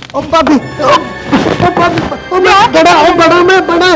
ओ भाभी ओ भाभी ओ मैं बड़ा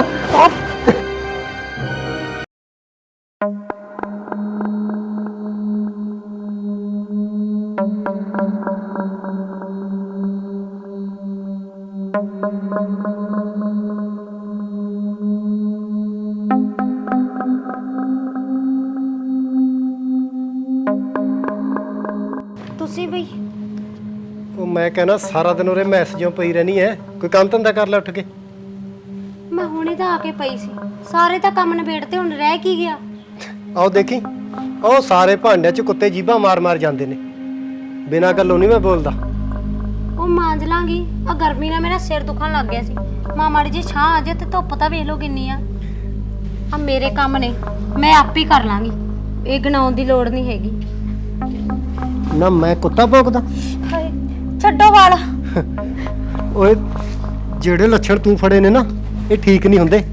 ਤੁਸੀਂ ਬਈ ਉਹ ਮੈਂ ਕਹਿੰਦਾ ਸਾਰਾ ਦਿਨ ਉਰੇ ਮੈਸੇਜੋਂ ਪਈ ਰਹਿਣੀ ਐ ਕੋਈ ਕੰਮ ਧੰਦਾ ਕਰ ਲੈ ਉੱਠ ਕੇ ਮੈਂ ਹੁਣੇ ਤਾਂ ਆ ਕੇ ਪਈ ਸੀ ਸਾਰੇ ਤਾਂ ਕੰਮ ਨਿਬੇੜਤੇ ਹੁਣ ਰਹਿ ਕੀ ਗਿਆ ਆਓ ਦੇਖੀ ਉਹ ਸਾਰੇ ਭਾਂਡਿਆਂ 'ਚ ਕੁੱਤੇ ਜੀਭਾਂ ਮਾਰ ਜਾਂਦੇ ਨੇ ਬਿਨਾਂ ਗੱਲੋਂ ਨਹੀਂ ਮੈਂ ਬੋਲਦਾ ਉਹ ਮਾਂਜ ਲਾਂਗੀ ਆ ਗਰਮੀ ਨਾਲ ਮੇਰਾ ਸਿਰ ਦੁਖਣ ਲੱਗ ਗਿਆ ਸੀ ਮਾੜੀ ਜੀ ਛਾਂ ਆ ਜੇ ਤੇ ਧੁੱਪ ਤਾਂ ਵੇਖ ਲਓ ਕਿੰਨੀ ਆ ਮੇਰੇ ਕੰਮ ਨੇ ਮੈਂ ਆਪ ਹੀ ਕਰ ਲਾਂਗੀ ਇਹ ਗਣਾਉਣ ਦੀ ਲੋੜ ਨਹੀਂ ਹੈਗੀ ਨਾ ਮੈਂ ਕੁੱਤਾ ਭੌਂਕਦਾ ਹਾਏ ਛੱਡੋ ਵਾਲ ਓਏ ਜਿਹੜੇ ਲੱਛਣ ਤੂੰ ਫੜੇ ਨੇ ਨਾ ਇਹ ਠੀਕ ਨਹੀਂ ਹੁੰਦੇ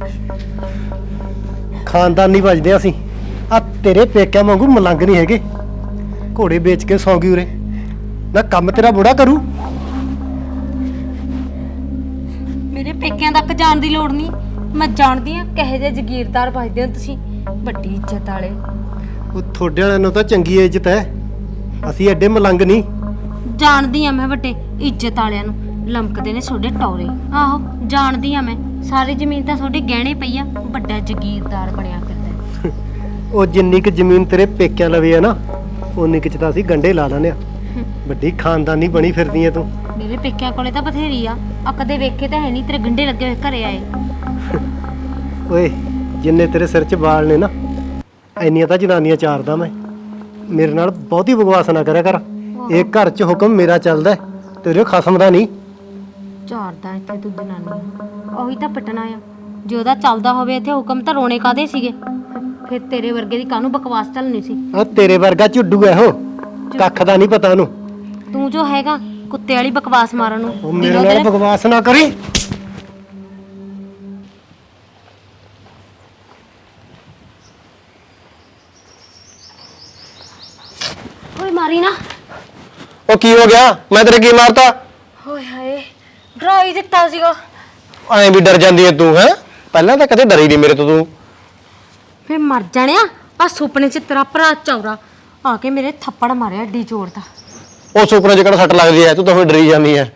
ਖਾਨਦਾਨੀ ਵੱਜਦੇ ਅਸੀਂ ਆ ਤੇਰੇ ਪੇਕਿਆਂ ਵਾਂਗੂ ਮਲੰਗ ਨਹੀਂ ਹੈਗੇ ਘੋੜੇ ਵੇਚ ਕੇ ਸੌਂ ਗਈ ਉਰੇ ਨਾ ਕੰਮ ਤੇਰਾ ਬੁੜਾ ਕਰੂ ਮੇਰੇ ਪੇਕਿਆਂ ਤੱਕ ਜਾਣ ਦੀ ਲੋੜ ਨਹੀਂ ਮੈਂ ਜਾਣਦੀ ਆ ਕਹੇ ਜੇ ਜ਼ਗੀਰਦਾਰ ਵੱਜਦੇ ਹੋ ਤੁਸੀਂ ਵੱਡੀ ਇੱਜ਼ਤ ਵਾਲੇ ਉਹ ਤੁਹਾਡੇ ਵਾਲਿਆਂ ਨੂੰ ਤਾਂ ਚੰਗੀ ਇੱਜ਼ਤ ਹੈ ਅਸੀਂ ਐਡੇ ਮਲੰਗ ਨਹੀਂ ਜਾਣਦੀ ਆ ਮੈਂ ਵੱਡੇ ਇੱਜ਼ਤ ਵਾਲਿਆਂ ਨੂੰ ਲੰਕਦੇ ਨੇ ਤੁਹਾਡੇ ਟੌਰੇ ਆਹੋ ਜਾਣਦੀ ਆ ਮੈਂ ਸਾਰੀ ਜ਼ਮੀਨ ਤਾਂ ਤੁਹਾਡੇ ਗਹਿਣੇ ਪਈ ਆ ਵੱਡਾ ਜ਼ਗੀਰਦਾਰ ਬਣਿਆ ਫਿਰਦਾ ਉਹ ਜਿੰਨੀ ਕੁ ਜ਼ਮੀਨ ਤੇਰੇ ਪੇਕਿਆਂ ਲਵੇ ਆ ਨਾ ਉਨੀ ਕੁ ਚ ਤਾਂ ਅਸੀਂ ਗੰਢੇ ਲਾ ਲੈਂਦੇ ਆ ਵੱਡੀ ਖਾਨਦਾਨੀ ਬਣੀ ਫਿਰਦੀ ਐ ਤੂੰ ਮੇਰੇ ਪੇਕਿਆਂ ਕੋਲੇ ਤਾਂ ਬਥੇਰੀ ਆ ਕਦੇ ਵੇਖੇ ਤਾਂ ਹੈ ਨਹੀਂ ਤੇਰੇ ਗੰਢੇ ਲੱਗੇ ਹੋਏ ਘਰੇ ਆਏ ਓਏ ਜਿੰਨੇ ਤੇਰੇ ਸਿਰ 'ਚ ਵਾਲ ਨੇ ਨਾ ਇੰਨੀਆਂ ਤਾਂ ਜਨਾਨੀਆਂ ਚਾਰਦਾ ਮੈਂ ਮੇਰੇ ਨਾਲ ਬਹੁਤੀ ਬਕਵਾਸ ਨਾ ਕਰਿਆ ਕਰ ਇਹ ਘਰ 'ਚ ਹੁਕਮ ਮੇਰਾ ਚੱਲਦਾ ਤੇਰੇ ਖਸਮ ਦਾ ਨਹੀਂ ਝਾੜਦਾ ਇੱਥੇ ਤੂੰ ਜਨਾਨੀ ਉਹੀ ਤਾਂ ਪਟਣਾ ਆ ਜੇ ਉਹਦਾ ਚੱਲਦਾ ਹੋਵੇ ਇੱਥੇ ਹੁਕਮ ਤਾਂ ਰੋਣੇ ਕਾਦੇ ਸੀਗੇ ਫਿਰ ਤੇਰੇ ਵਰਗੇ ਦੀ ਕਾਹਨੂੰ ਬਕਵਾਸ ਚੱਲਣੀ ਸੀ ਆ ਤੇਰੇ ਵਰਗਾ ਝੁੱਡੂ ਐ ਉਹ ਕੱਖ ਦਾ ਨਹੀਂ ਪਤਾ ਉਹਨੂੰ ਤੂੰ ਜੋ ਹੈਗਾ ਕੁੱਤੇ ਵਾਲੀ ਬਕਵਾਸ ਮਾਰਨ ਨੂੰ ਉਹ ਮੇਰੇ ਨਾਲ ਬਕਵਾਸ ਨਾ ਕਰੀ ਓਏ ਮਾਰੀ ਨਾ ਉਹ ਕੀ ਹੋ ਗਿਆ ਮੈਂ ਤੇਰੇ ਕੀ ਮਾਰਤਾ ਹੋਏ ਹਾਏ ਡਰਾ ਹੀ ਦਿੱਤਾ ਸੀਗਾ ਐਂ ਵੀ ਡਰ ਜਾਂਦੀ ਐ ਤੂੰ ਹੈ ਪਹਿਲਾਂ ਤਾਂ ਕਦੇ ਡਰੀ ਨਹੀਂ ਮੇਰੇ ਤੋਂ ਤੂੰ ਫੇ ਮਰ ਜਾਣਿਆ ਆ ਸੁਪਨੇ 'ਚ ਤੇਰਾ ਭਰਾ ਚੌਰਾ ਆ ਕੇ ਮੇਰੇ ਥੱਪੜ ਮਾਰਿਆ ਏਡੀ ਜ਼ੋਰ ਦਾ ਉਹ ਸੁਪਨੇ 'ਚ ਕਿਹੜਾ ਸੱਟ ਲੱਗਦੀ ਐ ਤੂੰ ਤਾਂ ਫਿਰ ਡਰੀ ਜਾਂਦੀ ਐ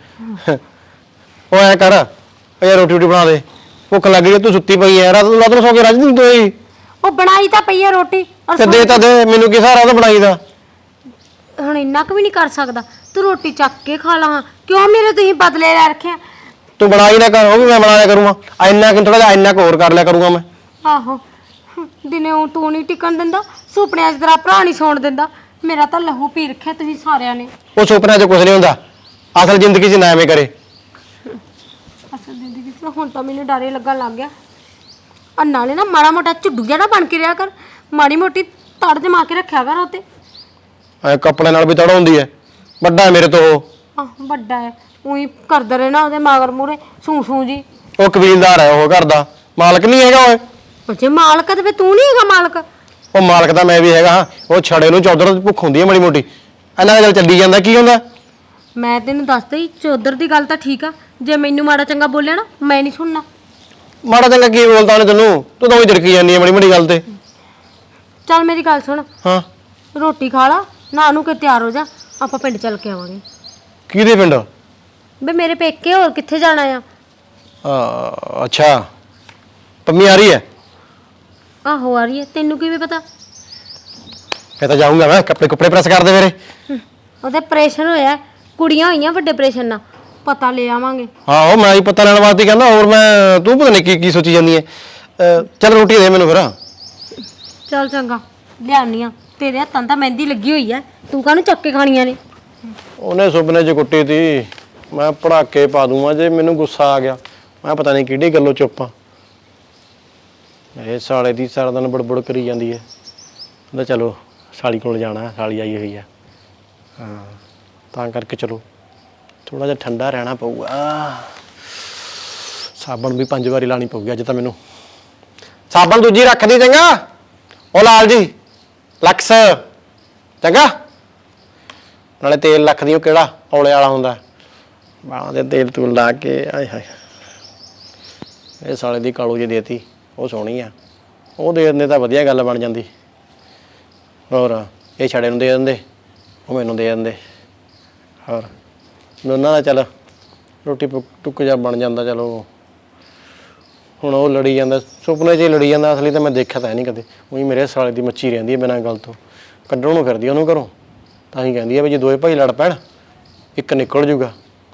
ਉਹ ਐ ਕਰ ਓ ਯਾਰ ਰੋਟੀ ਬਣਾ ਦੇ ਭੁੱਖ ਲੱਗ ਗਈ ਤੂੰ ਸੁੱਤੀ ਪਈ ਐ ਰਾਤ ਨੂੰ ਸੌ ਕੇ ਰੱਜ ਨਹੀਂ ਤੂੰ ਉਹ ਬਣਾਈ ਤਾਂ ਪਈ ਆ ਰੋਟੀ ਤੇ ਦੇ ਤਾਂ ਦੇ ਮੈਨੂੰ ਕੀ ਸਹਾਰਾ ਉਹਦਾ ਬਣਾਈ ਦਾ ਹੁਣ ਇੰਨਾ ਕੁ ਵੀ ਨਹੀਂ ਕਰ ਸਕਦਾ ਤੂੰ ਰੋਟੀ ਚੱਕ ਕੇ ਖਾ ਲਾ ਕਿਉਂ ਮੇਰੇ ਤੁਸੀਂ ਬਦਲੇ ਲੈ ਰੱਖਿਆ ਤੂੰ ਬਣਾਈ ਨਾ ਕਰ ਉਹ ਵੀ ਮੈਂ ਬਣਾ ਲਿਆ ਕਰੂੰਗਾ ਇੰਨਾ ਕਿ ਥੋੜਾ ਜਿਹਾ ਇੰਨਾ ਕੁ ਹੋਰ ਕਰ ਲਿਆ ਕਰੂੰਗਾ ਮੈਂ ਆਹੋ ਦਿਨੇ ਉਹ ਤੂੰ ਨਹੀਂ ਟਿਕਣ ਦਿੰਦਾ ਸੁਪਨਿਆਂ 'ਚ ਤੇਰਾ ਭਰਾ ਨਹੀਂ ਸੌਣ ਦਿੰਦਾ ਮੇਰਾ ਤਾਂ ਲਹੂ ਪੀ ਰੱਖਿਆ ਤੁਸੀਂ ਸਾਰਿਆਂ ਨੇ ਉਹ ਸੁਪਨਿਆਂ 'ਚ ਕੁਝ ਨਹੀਂ ਹੁੰਦਾ ਅਸਲ ਜ਼ਿੰਦਗੀ 'ਚ ਨਾ ਐਵੇਂ ਕਰੇ ਅਸਲ ਜ਼ਿੰਦਗੀ 'ਚ ਹੁਣ ਤਾਂ ਮੈਨੂੰ ਡਰ ਹੀ ਲੱਗਣ ਲੱਗ ਗਿਆ ਆ ਨਾਲੇ ਨਾ ਮਾੜਾ ਮੋਟਾ ਝੁੱਡੂ ਜਿਹਾ ਨਾ ਬਣ ਕੇ ਰਿਹਾ ਕਰ ਮਾੜੀ ਮੋਟੀ ਤੜ ਜਮਾ ਕੇ ਰੱਖਿਆ ਕਰ ਉੱਤੇ ਐ ਕੱਪੜੇ ਨਾਲ ਵੀ ਤੜ ਹੁੰਦੀ ਐ ਵੱਡਾ ਹੈ ਮੇਰੇ ਤੋਂ ਉਹ ਆਹ ਵੱਡਾ ਹੈ ਉਹੀ ਕਰਦਾ ਰਹਿਣਾ ਉਹਦੇ ਮਗਰ ਮੂਰੇ ਸੂ ਜੀ ਉਹ ਕਬੀਲਦਾਰ ਹੈ ਉਹ ਘਰ ਦਾ ਮਾਲਕ ਨਹੀਂ ਹੈਗਾ ਓਏ ਜੇ ਮਾਲਕ ਤੇ ਤੂੰ ਨਹੀਂ ਹੈਗਾ ਮਾਲਕ ਉਹ ਮਾਲਕ ਤਾਂ ਮੈਂ ਵੀ ਹੈਗਾ ਹਾਂ ਉਹ ਛੜੇ ਨੂੰ ਚੌਧਰ ਦੀ ਭੁੱਖ ਹੁੰਦੀ ਹੈ ਮਾੜੀ ਮੋਟੀ ਇਹਨਾਂ ਦਾ ਚੱਲੀ ਜਾਂਦਾ ਕੀ ਹੁੰਦਾ ਮੈਂ ਤੈਨੂੰ ਦੱਸਦਾ ਹੀ ਚੌਧਰ ਦੀ ਗੱਲ ਤਾਂ ਠੀਕ ਆ ਜੇ ਮੈਨੂੰ ਮਾੜਾ ਚੰਗਾ ਬੋਲਿਆ ਨਾ ਮੈਂ ਨਹੀਂ ਸੁਣਨਾ ਮਾੜਾ ਚੰਗਾ ਕੀ ਬੋਲਦਾ ਉਹਨੇ ਤੈਨੂੰ ਤੂੰ ਤਾਂ ਉਹੀ ਦਿੜਕੀ ਜਾਂਦੀ ਹੈ ਮਾੜੀ ਮਾੜੀ ਗੱਲ ਤੇ ਚੱਲ ਮੇਰੀ ਗੱਲ ਸੁਣ ਹਾਂ ਰੋਟੀ ਖਾ ਲਾ ਨਾ ਨੂੰ ਕੇ ਤਿਆਰ ਹੋ ਜਾ ਆਪਾਂ ਪਿੰਡ ਚੱਲ ਕੇ ਆਵਾਂਗੇ ਕਿਹਦੇ ਪਿੰਡ ਬੇ ਮੇਰੇ ਪੇਕੇ ਹੋਰ ਕਿੱਥੇ ਜਾਣਾ ਆ ਅੱਛਾ ਪੰਮੀ ਆ ਰਹੀ ਹੈ ਆਹੋ ਆ ਰਹੀ ਹੈ ਤੈਨੂੰ ਕਿਵੇਂ ਪਤਾ ਮੈਂ ਤਾਂ ਜਾਊਂਗਾ ਮੈਂ ਕੱਪੜੇ ਪ੍ਰੈਸ ਕਰ ਦੇ ਮੇਰੇ ਉਹਦੇ ਆਪਰੇਸ਼ਨ ਹੋਇਆ ਕੁੜੀਆਂ ਹੋਈਆਂ ਵੱਡੇ ਆਪਰੇਸ਼ਨ ਨਾਲ ਪਤਾ ਲੈ ਆਵਾਂਗੇ ਹਾਂ ਉਹ ਮੈਂ ਹੀ ਪਤਾ ਲੈਣ ਵਾਸਤੇ ਕਹਿੰਦਾ ਹੋਰ ਮੈਂ ਤੂੰ ਪਤਾ ਨਹੀਂ ਕੀ ਸੋਚੀ ਜਾਂਦੀ ਹੈ ਚੱਲ ਰੋਟੀ ਦੇ ਮੈਨੂੰ ਫਿਰ ਚੱਲ ਚੰਗਾ ਲਿਆਉਣੀ ਆ ਤੇਰੇ ਹੱਥਾਂ ਤਾਂ ਮਹਿੰਦੀ ਲੱਗੀ ਹੋਈ ਐ ਤੂੰ ਕਾਹਨੂੰ ਚੱਕ ਕੇ ਖਾਣੀਆਂ ਨੇ ਉਹਨੇ ਸੁਪਨੇ 'ਚ ਕੁੱਟੀ ਤੀ ਮੈਂ ਪੜਾਕੇ ਪਾ ਦੂੰਗਾ ਜੇ ਮੈਨੂੰ ਗੁੱਸਾ ਆ ਗਿਆ ਮੈਂ ਪਤਾ ਨਹੀਂ ਕਿਹੜੀ ਗੱਲੋਂ ਚੁੱਪ ਆ ਇਹ ਸਾਲੇ ਦੀ ਸਾਰਾ ਦਿਨ ਬੜਬੜ ਕਰੀ ਜਾਂਦੀ ਹੈ ਕਹਿੰਦਾ ਚਲੋ ਸਾਲੀ ਕੋਲ ਜਾਣਾ ਸਾਲੀ ਆਈ ਹੋਈ ਆ ਹਾਂ ਤਾਂ ਕਰਕੇ ਚਲੋ ਥੋੜਾ ਜਿਹਾ ਠੰਡਾ ਰਹਿਣਾ ਪਊਗਾ ਸਾਬਣ ਵੀ 5 ਵਾਰੀ ਲਾਣੀ ਪਊਗੀ ਅੱਜ ਤਾਂ ਮੈਨੂੰ ਸਾਬਣ ਦੂਜੀ ਰੱਖ ਦੀ ਚੰਗਾ ਉਹ ਲਾਲ ਜੀ ਲਕਸ ਚੰਗਾ ਨਾਲੇ ਤੇਲ ਲੱਖ ਦੀ ਉਹ ਕਿਹੜਾ ਔਲੇ ਵਾਲਾ ਹੁੰਦਾ ਬਾਹਾਂ ਦੇ ਤੇਲ ਤੂਲ ਲਾ ਕੇ ਆਏ ਹਾਏ ਇਹ ਸਾਲੇ ਦੀ ਕਾਲੂ ਜੀ ਦੇਤੀ ਉਹ ਸੋਹਣੀ ਆ ਉਹ ਦੇ ਦਿੰਦੇ ਤਾਂ ਵਧੀਆ ਗੱਲ ਬਣ ਜਾਂਦੀ ਹੋਰ ਇਹ ਛੜੇ ਨੂੰ ਦੇ ਦਿੰਦੇ ਉਹ ਮੈਨੂੰ ਦੇ ਦਿੰਦੇ ਹੋਰ ਦੋਨਾਂ ਦਾ ਚੱਲ ਰੋਟੀ ਟੁੱਕ ਜਾ ਬਣ ਜਾਂਦਾ ਚਲੋ ਹੁਣ ਉਹ ਲੜੀ ਜਾਂਦਾ ਸੁਪਨੇ 'ਚ ਹੀ ਲੜੀ ਜਾਂਦਾ ਅਸਲੀ ਤਾਂ ਮੈਂ ਦੇਖਿਆ ਤਾਂ ਨਹੀਂ ਕਦੇ ਉਹੀ ਮੇਰੇ ਸਾਲੇ ਦੀ ਮੱਛੀ ਰਹਿੰਦੀ ਹੈ ਬਿਨਾਂ ਗੱਲ ਤੋਂ ਕੱਢਣ ਨੂੰ ਫਿਰਦੀ ਉਹਨੂੰ ਘਰੋਂ ਤਾਂ ਹੀ ਕਹਿੰਦੀ ਆ ਵੀ ਜੇ ਦੋਵੇਂ ਭਾਈ ਲੜ ਪੈਣ ਇੱਕ ਨਿਕਲ ਜੂਗਾ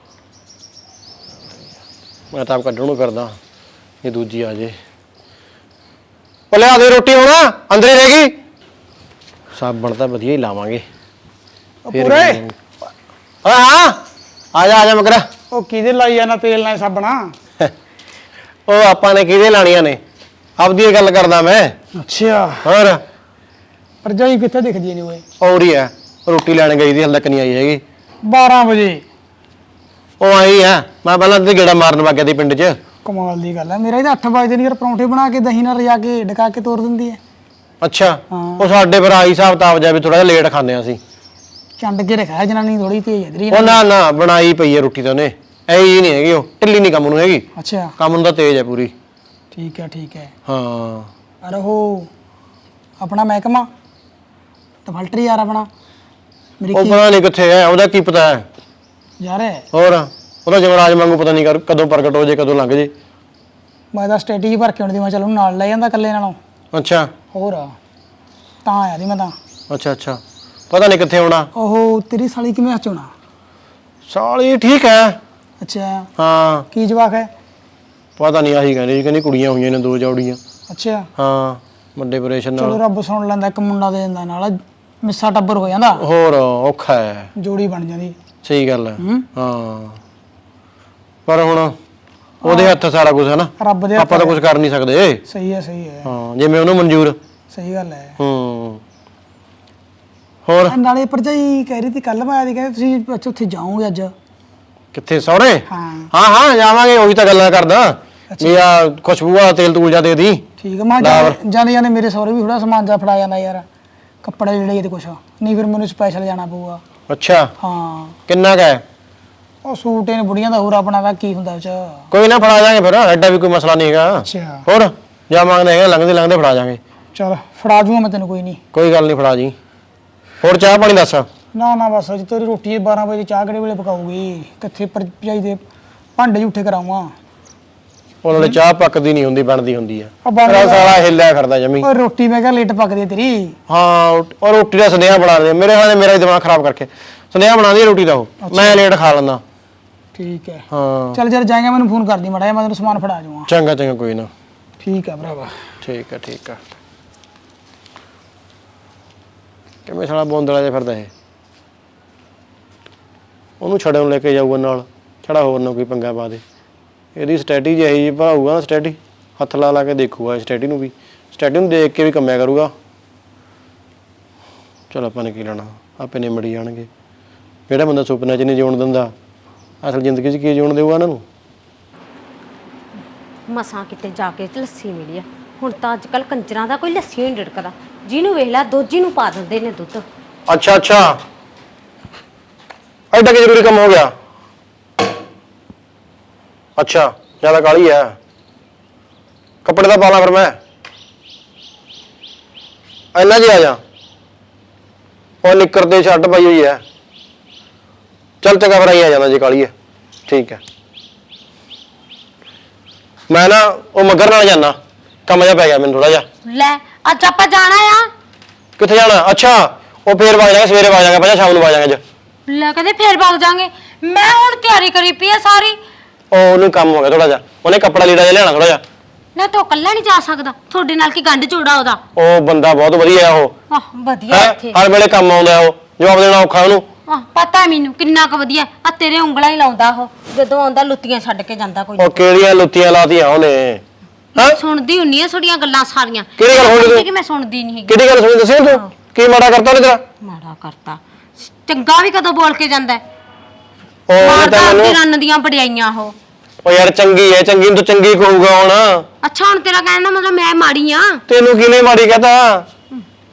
ਮੈਂ ਤਾਂ ਆਪ ਕੱਢਣ ਨੂੰ ਫਿਰਦਾ ਜੇ ਦੂਜੀ ਆ ਜੇ ਉਹ ਲਿਆ ਦੇ ਰੋਟੀ ਹੁਣ ਅੰਦਰ ਹੀ ਰਹਿ ਗਈ ਸਾਬਣ ਤਾਂ ਵਧੀਆ ਹੀ ਲਾਵਾਂਗੇ ਪੂਰੇ ਹਾਂ ਹਾਂ ਆ ਜਾ ਮਗਰਾ ਉਹ ਕਿਹਦੇ ਲਾਈ ਜਾਣਾ ਤੇਲ ਨਾਲ ਸਾਬਣਾ ਉਹ ਆਪਾਂ ਨੇ ਕਿਹਦੇ ਲਾਣੀਆਂ ਨੇ ਆਪਦੀ ਗੱਲ ਕਰਦਾ ਮੈਂ ਅੱਛਾ ਹੋਰ ਪਰਜਾਈ ਕਿੱਥੇ ਦਿਖਦੀ ਨਹੀਂ ਓਏ ਔਰ ਹੀ ਹੈ ਰੋਟੀ ਲੈਣ ਗਈ ਦੀ ਹਲ ਤੱਕ ਨਹੀਂ ਆਈ ਹੈਗੀ 12 ਵਜੇ ਉਹ ਆਈ ਆ ਮੈਂ ਪਹਿਲਾਂ ਤੇ ਗੇੜਾ ਮਾਰਨ ਵਗ ਗਿਆ ਦੀ ਪਿੰਡ 'ਚ ਕਮਾਲ ਦੀ ਗੱਲ ਹੈ ਮੇਰਾ ਇਹਦਾ 8 ਵਜੇ ਨਹੀਂ ਯਾਰ ਪਰੌਂਠੇ ਬਣਾ ਕੇ ਦਹੀਂ ਨਾਲ ਰਜਾ ਕੇ ਡਕਾ ਕੇ ਤੋੜ ਦਿੰਦੀ ਹੈ ਅੱਛਾ ਹਾਂ। ਉਹ ਸਾਡੇ ਫਿਰ ਆਈ ਹਿਸਾਬ ਤਾਬ ਜਾ ਵੀ ਥੋੜਾ ਜਿਹਾ ਲੇਟ ਖਾਂਦੇ ਆ ਅਸੀਂ ਚੰਡ ਕੇ ਰੱਖਿਆ ਜਨਾਨੀ ਥੋੜੀ ਤੇਜ਼ ਇਧਰੀ ਉਹ ਨਾ ਬਣਾਈ ਪਈ ਹੈ ਰੋਟੀ ਤਾਂ ਉਹਨੇ ਐ ਹੀ ਨਹੀਂ ਹੈਗੀ ਉਹ ਢਿੱਲੀ ਨਹੀਂ ਕੰਮ ਨੂੰ ਹੈਗੀ ਅੱਛਾ ਕੰਮ ਨੂੰ ਤਾਂ ਤੇਜ਼ ਹੈ ਪੂਰੀ ਠੀਕ ਹੈ ਹਾਂ ਅਰੇ ਉਹ ਆਪਣਾ ਮਹਿਕਮਾ ਟਫਲਟਰੀ ਯਾਰ ਆਪਣਾ ਮੇਰੀ ਉਹ ਪਤਾ ਨਹੀਂ ਕਿੱਥੇ ਹੈ ਉਹਦਾ ਕੀ ਪਤਾ ਹੈ ਯਾਰ ਹੋਰ ਉਹਦਾ ਜਮਰਾਜ ਵਾਂਗੂ ਪਤਾ ਨਹੀਂ ਕਦੋਂ ਪ੍ਰਗਟ ਹੋ ਜੇ ਕਦੋਂ ਲੰਘ ਜੇ ਮੈਂ ਤਾਂ ਸਟ੍ਰੈਟਜੀ ਭਰ ਕੇ ਆਉਣ ਦੀ ਮੈਂ ਚਲ ਉਹਨੂੰ ਨਾਲ ਲੈ ਜਾਂਦਾ ਇਕੱਲੇ ਨਾਲੋਂ ਅੱਛਾ ਹੋਰ ਤਾਂ ਆਇਆ ਦੀ ਮੈਂ ਤਾਂ ਅੱਛਾ ਪਤਾ ਨਹੀਂ ਕਿੱਥੇ ਆਉਣਾ ਉਹ ਤੇਰੀ ਸਾਲੀ ਕਿਵੇਂ ਹਚੋਣਾ ਸਾਲੀ ਠੀਕ ਹੈ ਅੱਛਾ ਹਾਂ ਕੀ ਜਵਾਕ ਹੈ ਪਤਾ ਨਹੀਂ ਆਹੀ ਕਹਿੰਦੀ ਕੁੜੀਆਂ ਹੋਈਆਂ ਨੇ 2 ਜੋੜੀਆਂ ਅੱਛਾ ਹਾਂ ਵੱਡੇ ਆਪਰੇਸ਼ਨ ਚਲੋ ਨਾਲ ਰੱਬ ਸੁਣ ਲੈਂਦਾ ਇੱਕ ਮੁੰਡਾ ਦੇ ਦਿੰਦਾ ਨਾਲ ਮਿੱਸਾ ਟੱਬਰ ਹੋ ਜਾਂਦਾ ਹੋਰ ਔਖਾ ਹੈ ਜੋੜੀ ਬਣ ਜਾਂਦੀ ਸਹੀ ਗੱਲ ਹੈ ਹੂੰ ਹਾਂ ਪਰ ਹੁਣ ਉਹਦੇ ਹੱਥ ਸਾਰਾ ਕੁਝ ਹੈ ਨਾ ਰੱਬ ਦੇ ਆਪਾਂ ਤਾਂ ਕੁਝ ਕਰ ਨਹੀਂ ਸਕਦੇ ਸਹੀ ਹੈ ਹਾਂ ਜਿਵੇਂ ਉਹਨੂੰ ਮਨਜ਼ੂਰ ਸਹੀ ਗੱਲ ਹੈ ਹੂੰ ਹੋਰ ਨਾਲੇ ਭਰਜਾਈ ਕਹਿ ਰਹੀ ਸੀ ਕੱਲ ਮੈਂ ਆਦੀ ਕਹਿੰਦੇ ਤੁਸੀਂ ਅੱਛਾ ਉੱਥੇ ਜਾਓਗੇ ਅੱਜ ਕਿੱਥੇ ਸਹੁਰੇ ਹਾਂ ਹਾਂ ਜਾਵਾਂਗੇ ਉਹੀ ਤਾਂ ਗੱਲਾਂ ਕਰਦਾ ਵੀ ਆ ਖੁਸ਼ਬੂ ਵਾਲਾ ਤੇਲ ਤੂਲ ਜਾ ਦੇ ਦੀ ਠੀਕ ਹੈ ਮੈਂ ਜਾਂਦੇ ਜਾਂਦੇ ਮੇਰੇ ਸਹੁਰੇ ਵੀ ਥੋੜਾ ਸਮਾਨ ਜਾ ਫੜਾ ਜਾਂਦਾ ਯਾਰ ਕੱਪੜੇ ਜਿਹੜੇ ਤੇ ਕੁਛ ਨਹੀਂ ਫਿਰ ਮੈਨੂੰ ਸਪੈਸ਼ਲ ਜਾਣਾ ਪਊਗਾ ਅੱਛਾ ਹਾਂ ਕਿੰਨਾ ਕੁ ਹੈ ਉਹ ਸੂਟ ਇਹਨੇ ਬੁੜੀਆਂ ਦਾ ਹੋਰ ਆਪਣਾ ਵਾ ਕੀ ਹੁੰਦਾ ਵਿੱਚ ਕੋਈ ਨਾ ਫੜਾ ਜਾਾਂਗੇ ਫਿਰ ਐਡਾ ਵੀ ਕੋਈ ਮਸਲਾ ਨਹੀਂ ਹੈਗਾ ਅੱਛਾ ਹੋਰ ਜਾਵਾਂਗੇ ਹੈਗਾ ਲੰਘਦੇ ਫੜਾ ਜਾਾਂਗੇ ਚਲ ਫੜਾ ਜੂਗਾ ਮੈਂ ਤੈਨੂੰ ਕੋਈ ਨਹੀਂ ਕੋਈ ਗੱਲ ਨਹੀਂ ਫੜਾ ਜੀ ਹੋਰ ਚਾਹ ਪਾਣੀ ਦੱਸ ਨਾ ਬਸ ਅੱਜ ਤੇਰੀ ਰੋਟੀ 12 ਵਜੇ ਚਾਹ ਕਿਹੜੇ ਵੇਲੇ ਪਕਾਉਗੀ ਕਿੱਥੇ ਭਰਜਾਈ ਦੇ ਭਾਂਡੇ ਝੂਠੇ ਕਰਾਵਾਂ ਉਹਨਾਂ ਨੇ ਚਾਹ ਪੱਕਦੀ ਨਹੀਂ ਹੁੰਦੀ ਬਣਦੀ ਹੁੰਦੀ ਆ ਉਹ ਬਣਦੀ ਤੇਰਾ ਸਾਲਾ ਹਿੱਲਿਆ ਫਿਰਦਾ ਜਮੀ ਉਹ ਰੋਟੀ ਮੈਂ ਕਿਹਾ ਲੇਟ ਪੱਕਦੀ ਹੈ ਤੇਰੀ ਹਾਂ ਉਹ ਰੋਟੀ ਦਾ ਸੁਨੇਹਾ ਬਣਾ ਦੇ ਮੇਰੇ ਹਾਲੇ ਮੇਰਾ ਹੀ ਦਿਮਾਗ ਖਰਾਬ ਕਰਕੇ ਸੁਨੇਹਾ ਬਣਾ ਦੀ ਰੋਟੀ ਦਾ ਉਹ ਮੈਂ ਲੇਟ ਖਾ ਲੈਂਦਾ ਠੀਕ ਹੈ ਹਾਂ ਚੱਲ ਜਦ ਜਾਏਗਾ ਮੈਨੂੰ ਫੋਨ ਕਰਦੀ ਮਾੜਾ ਜਿਹਾ ਮੈਂ ਤੈਨੂੰ ਸਮਾਨ ਫੜਾ ਜਾਊਂਗਾ ਚੰਗਾ ਕੋਈ ਨਾ ਠੀਕ ਹੈ ਭਰਾਵਾ ਠੀਕ ਆ ਕਿਵੇਂ ਸਾਲਾ ਬੋਂਦਲਾ ਜਿਹਾ ਫਿਰਦਾ ਇਹ ਉਹਨੂੰ ਛੜੇ ਨੂੰ ਲੈ ਕੇ ਜਾਊਗਾ ਨਾਲ ਛੜਾ ਹੋਰ ਨਾ ਕੋਈ ਪੰਗਾ ਪਾ ਦੇ ਇਹਦੀ ਸਟ੍ਰੈਟਜੀ ਇਹੀ ਜੀ ਭਾਊਗਾ ਨਾ ਸਟ੍ਰੈਟਜੀ ਹੱਥ ਲਾ ਕੇ ਦੇਖੂਗਾ ਸਟ੍ਰੈਟਜੀ ਨੂੰ ਵੀ ਸਟ੍ਰੈਟਜੀ ਨੂੰ ਦੇਖ ਕੇ ਵੀ ਕੰਮਿਆ ਕਰੂਗਾ ਚਲ ਆਪਾਂ ਨੇ ਕੀ ਲੈਣਾ ਆਪੇ ਨਿਮੜੀ ਜਾਣਗੇ ਜਿਹੜਾ ਬੰਦਾ ਸੁਪਨੇ 'ਚ ਨਹੀਂ ਜਿਉਣ ਦਿੰਦਾ ਅਸਲ ਜ਼ਿੰਦਗੀ 'ਚ ਕੀ ਜਿਉਣ ਦੇਊਗਾ ਇਹਨਾਂ ਨੂੰ ਮਸਾਂ ਕਿਤੇ ਜਾ ਕੇ ਲੱਸੀ ਮਿਲੀ ਆ ਹੁਣ ਤਾਂ ਅੱਜ ਕੱਲ ਕੰਜਰਾਂ ਦਾ ਕੋਈ ਲੱਸੀ ਨਹੀਂ ਡੜਕਦਾ ਜਿਹਨੂੰ ਵੇਖ ਲੈ ਦੋਜੀ ਨੂੰ ਪਾ ਦਿੰਦੇ ਨੇ ਦੁੱਧ ਅੱਛਾ ਐਡਾ ਕਿ ਜ਼ਰੂਰੀ ਕੰਮ ਹੋ ਗਿਆ ਅੱਛਾ ਜ਼ਿਆਦਾ ਕਾਲੀ ਹੈ ਕੱਪੜੇ ਦਾ ਪਾ ਲਾਂ ਫਿਰ ਮੈਂ ਇੰਨਾ ਜੀ ਆ ਜਾ ਉਹ ਨਿੱਕਰ ਦੇ ਛੱਡ ਪਾਈ ਹੋਈ ਹੈ ਚੱਲ ਚੰਗਾ ਫਿਰ ਆਈ ਆ ਜਾਂਦਾ ਜੇ ਕਾਲੀ ਹੈ ਠੀਕ ਹੈ ਮੈਂ ਨਾ ਉਹ ਮਗਰ ਨਾਲ ਜਾਣਾ ਕੰਮ ਜਿਹਾ ਪੈ ਗਿਆ ਮੈਨੂੰ ਥੋੜਾ ਜਿਹਾ ਲੈ ਅੱਜ ਆਪਾਂ ਜਾਣਾ ਆ ਕਿੱਥੇ ਜਾਣਾ ਅੱਛਾ ਉਹ ਫੇਰ ਵਗ ਜਾਗਾ ਸਵੇਰੇ ਵਗ ਜਾਗਾ ਪਹਿਲਾਂ ਸ਼ਾਮ ਨੂੰ ਵਗ ਜਾਗਾ ਅੱਜ ਲੈ ਕਹਿੰਦੇ ਫੇਰ ਵਗ ਜਾਾਂਗੇ ਮੈਂ ਹੁਣ ਤਿਆਰੀ ਕਰੀ ਪਈ ਆ ਸਾਰੀ ਉਹ ਉਹਨੂੰ ਕੰਮ ਹੋ ਗਿਆ ਥੋੜਾ ਜਿਹਾ ਉਹਨੇ ਕੱਪੜਾ ਲੀੜਾ ਜਿਹਾ ਲਿਆਣਾ ਥੋੜਾ ਜਿਹਾ ਨਾ ਤੂੰ ਇਕੱਲਾ ਨਹੀਂ ਜਾ ਸਕਦਾ ਤੁਹਾਡੇ ਨਾਲ ਕੀ ਗੰਢ ਜੋੜਾ ਉਹਦਾ ਉਹ ਬੰਦਾ ਬਹੁਤ ਵਧੀਆ ਆ ਉਹ ਆਹ ਵਧੀਆ ਇੱਥੇ ਹਰ ਵੇਲੇ ਕੰਮ ਆਉਂਦਾ ਉਹ ਜਵਾਬ ਦੇਣਾ ਔਖਾ ਉਹਨੂੰ ਆਹ ਪਤਾ ਮੈਨੂੰ ਕਿੰਨਾ ਕੁ ਵਧੀਆ ਆ ਤੇਰੇ ਉਂਗਲਾਂ ਹੀ ਲਾਉਂਦਾ ਉਹ ਜਦੋਂ ਆਉਂਦਾ ਲੁੱਤੀਆਂ ਛੱਡ ਕੇ ਜਾਂਦਾ ਕੋਈ ਉਹ ਕਿਹੜੀਆਂ ਲੁੱਤੀਆਂ ਲਾਤੀਆਂ ਉਹਨੇ ਸੁਣਦੀ ਹੁੰਨੀ ਆ ਤੁਹਾਡੀਆਂ ਗੱਲਾਂ ਸਾਰੀਆਂ ਕਿਹੜੀ ਗੱਲ ਸੁਣਦੀ ਤੂੰ? ਕਿ ਮੈਂ ਸੁਣਦੀ ਨਹੀਂ ਹੈਗੀ ਕਿਹੜੀ ਗੱਲ ਸੁਣੀ ਦੱਸਿਆ ਤੂੰ ਕੀ ਮਾੜਾ ਕਰਤਾ ਉਹਨੇ ਤੇਰਾ ਮਾੜਾ ਕਰਤਾ ਚੰਗਾ ਵੀ ਕਦੋਂ ਬੋਲ ਕੇ ਜਾਂਦਾ ਉਹ ਉਹਨੇ ਮਾਰਦਾ ਤਾਂ ਆਪਣੀ ਮੈਨੂੰ ਰੰਨ ਦੀਆਂ ਬੜਾਈਆਂ ਉਹ ਯਾਰ ਚੰਗੀ ਹੈ ਚੰਗੀ ਨੂੰ ਤਾਂ ਚੰਗੀ ਕਹੂਗਾ ਹੁਣ ਅੱਛਾ ਹੁਣ ਤੇਰਾ ਕਹਿਣ ਦਾ ਮਤਲਬ ਮੈਂ ਮਾੜੀ ਆ ਤੈਨੂੰ ਕਿਹਨੇ ਮਾੜੀ ਕਹਤਾ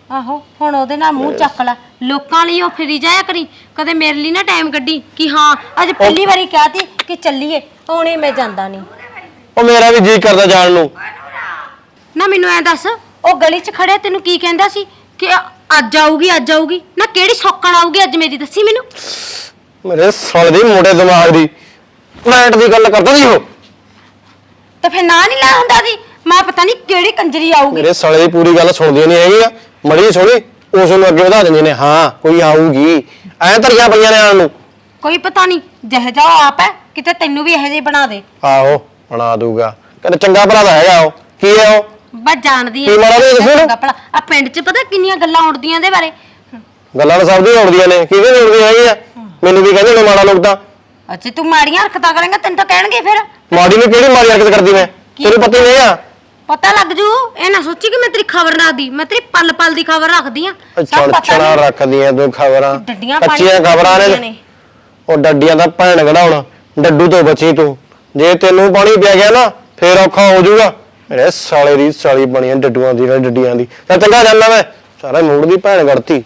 ਆਹੋ ਹੁਣ ਉਹਦੇ ਨਾਲ ਮੂੰਹ ਚੱਕ ਲੈ, ਲੋਕਾਂ ਲਈ ਉਹ ਫਿਰੀ ਜਾਇਆ ਕਰੀ, ਕਦੇ ਮੇਰੇ ਲਈ ਨਾ ਟਾਈਮ ਕੱਢੀ ਕਿ ਹਾਂ ਅੱਜ ਪਹਿਲੀ ਵਾਰੀ ਕਿਹਾ ਤੀ ਕਿ ਚੱਲੀਏ, ਹੁਣੇ ਮੈਂ ਜਾਂਦਾ ਨਹੀਂ। ਉਹ ਮੇਰਾ ਵੀ ਜੀ ਕਰਦਾ ਜਾਣ ਨੂੰ। ਨਾ ਮੈਨੂੰ ਐ ਦੱਸ, ਉਹ ਗਲੀ 'ਚ ਖੜਿਆ ਤੈਨੂੰ ਕੀ ਕਹਿੰਦਾ ਸੀ ਕਿ ਅੱਜ ਆਊਗੀ ਅੱਜ ਆਊਗੀ? ਨਾ ਕਿਹੜੀ ਸੌਕਣ ਆਊਗੀ ਅੱਜ ਮੇਰੀ, ਦੱਸੀ ਮੈਨੂੰ। ਮੇਰੇ ਸਾਲੇ ਦੇ ਮੋਟੇ ਦਿਮਾਗ ਦੀ ਫਲੈਟ ਦੀ ਗੱਲ ਕਰਦਾ ਸੀ ਉਹ। ਤੇ ਫਿਰ ਨਾ ਨਹੀਂ ਲਾ ਹੁੰਦਾ ਸੀ, ਮੈਂ ਪਤਾ ਨਹੀਂ ਕਿਹੜੀ ਕੰਜਰੀ ਆਊਗੀ। ਮੇਰੇ ਸਾਲੇ ਦੀ ਪੂਰੀ ਗੱਲ ਸੁਣਦੀਆਂ ਨਹੀਂ ਹੈਗੀਆਂ, ਮੜੀ ਸੁਣੀ ਉਸ ਨੂੰ ਅੱਗੇ ਵਧਾ ਦਿੰਦੇ ਨੇ। ਹਾਂ ਕੋਈ ਆਊਗੀ, ਐ ਧਰੀਆਂ ਪਈਆਂ ਨੇ ਆਣ ਨੂੰ। ਕੋਈ ਪਤਾ ਨਹੀਂ ਜਿਹੇ ਜਾ ਆਪ ਹੈ, ਕਿਤੇ ਤੈਨੂੰ ਵੀ ਇਹੋ ਜਿਹੀ ਬਣਾ ਦੇ। ਆਹੋ ਬਣਾ ਦੂਗਾ, ਕਹਿੰਦਾ ਚੰਗਾ ਭਰਾ ਦਾ ਹੈਗਾ ਉਹ। ਕੀ ਹੈ ਉਹ? ਬਸ ਜਾਣਦੀ ਕੀ ਮਾੜਾ ਜਿਹਾ ਦੱਸੋ ਨਾ। ਆ ਪਿੰਡ 'ਚ ਪਤਾ ਕਿੰਨੀਆਂ ਗੱਲਾਂ ਉੜਦੀਆਂ ਦੇ ਬਾਰੇ। ਗੱਲਾਂ ਤਾਂ ਸਭ ਦੀਆਂ ਉੜਦੀਆਂ ਨੇ, ਕਿਹਦੇ ਨਹੀਂ ਉੜਦੀਆਂ ਹੈਗੀਆਂ। ਮੈਨੂੰ ਵੀ ਕਹਿੰਦੇ ਨੇ ਮਾੜਾ ਲੋਕ ਤਾਂ। ਅੱਛਾ ਤੂੰ ਮਾੜੀਆਂ ਹਰਕਤਾਂ ਕਰੇਂਗਾ ਤੈਨੂੰ ਤਾਂ ਕਹਿਣਗੇ ਫਿਰ। ਮਾੜੀ ਨੂੰ ਕਿਹੜੀ ਮਾੜੀ ਹਰਕਤ ਕਰਦੀ ਮੈਂ, ਤੈਨੂੰ ਪਤਾ ਹੀ ਨਹੀਂ ਆ। ਪਤਾ ਲੱਗ ਜੂ, ਇਹ ਨਾ ਸੋਚੀ ਕਿ ਮੈਂ ਤੇਰੀ ਖਬਰ ਰੱਖਦੀ, ਮੈਂ ਤੇਰੀ ਪਲ ਪਲ ਦੀ ਖਬਰ ਰੱਖਦੀ ਆ। ਛੜਾ ਰੱਖਦੀਆਂ ਤੂੰ ਖਬਰਾਂ, ਡੱਡੀਆਂ ਕੱਚੀਆਂ ਖਬਰਾਂ ਨੇ। ਉਹ ਡੱਡੀਆਂ ਦਾ ਭੈਣ ਕਢਾਉਣਾ, ਡੱਡੂ ਤੋਂ ਬਚੀ ਤੂੰ। ਜੇ ਤੈਨੂੰ ਪਾਣੀ ਪਿਆ ਗਿਆ ਨਾ ਫੇਰ ਔਖਾ ਹੋ ਜਾਊਗਾ। ਮੇਰੇ ਸਾਲੇ ਦੀ ਸਾਲੀ ਬਣੀਆਂ ਡੱਡੂਆਂ ਦੀ ਡੱਡੀਆਂ ਦੀ। ਤਾਂ ਚੰਗਾ ਜਾਂਦਾ ਮੈਂ, ਸਾਰਾ ਮੂਡ ਦੀ ਭੈਣ ਗੜਤੀ।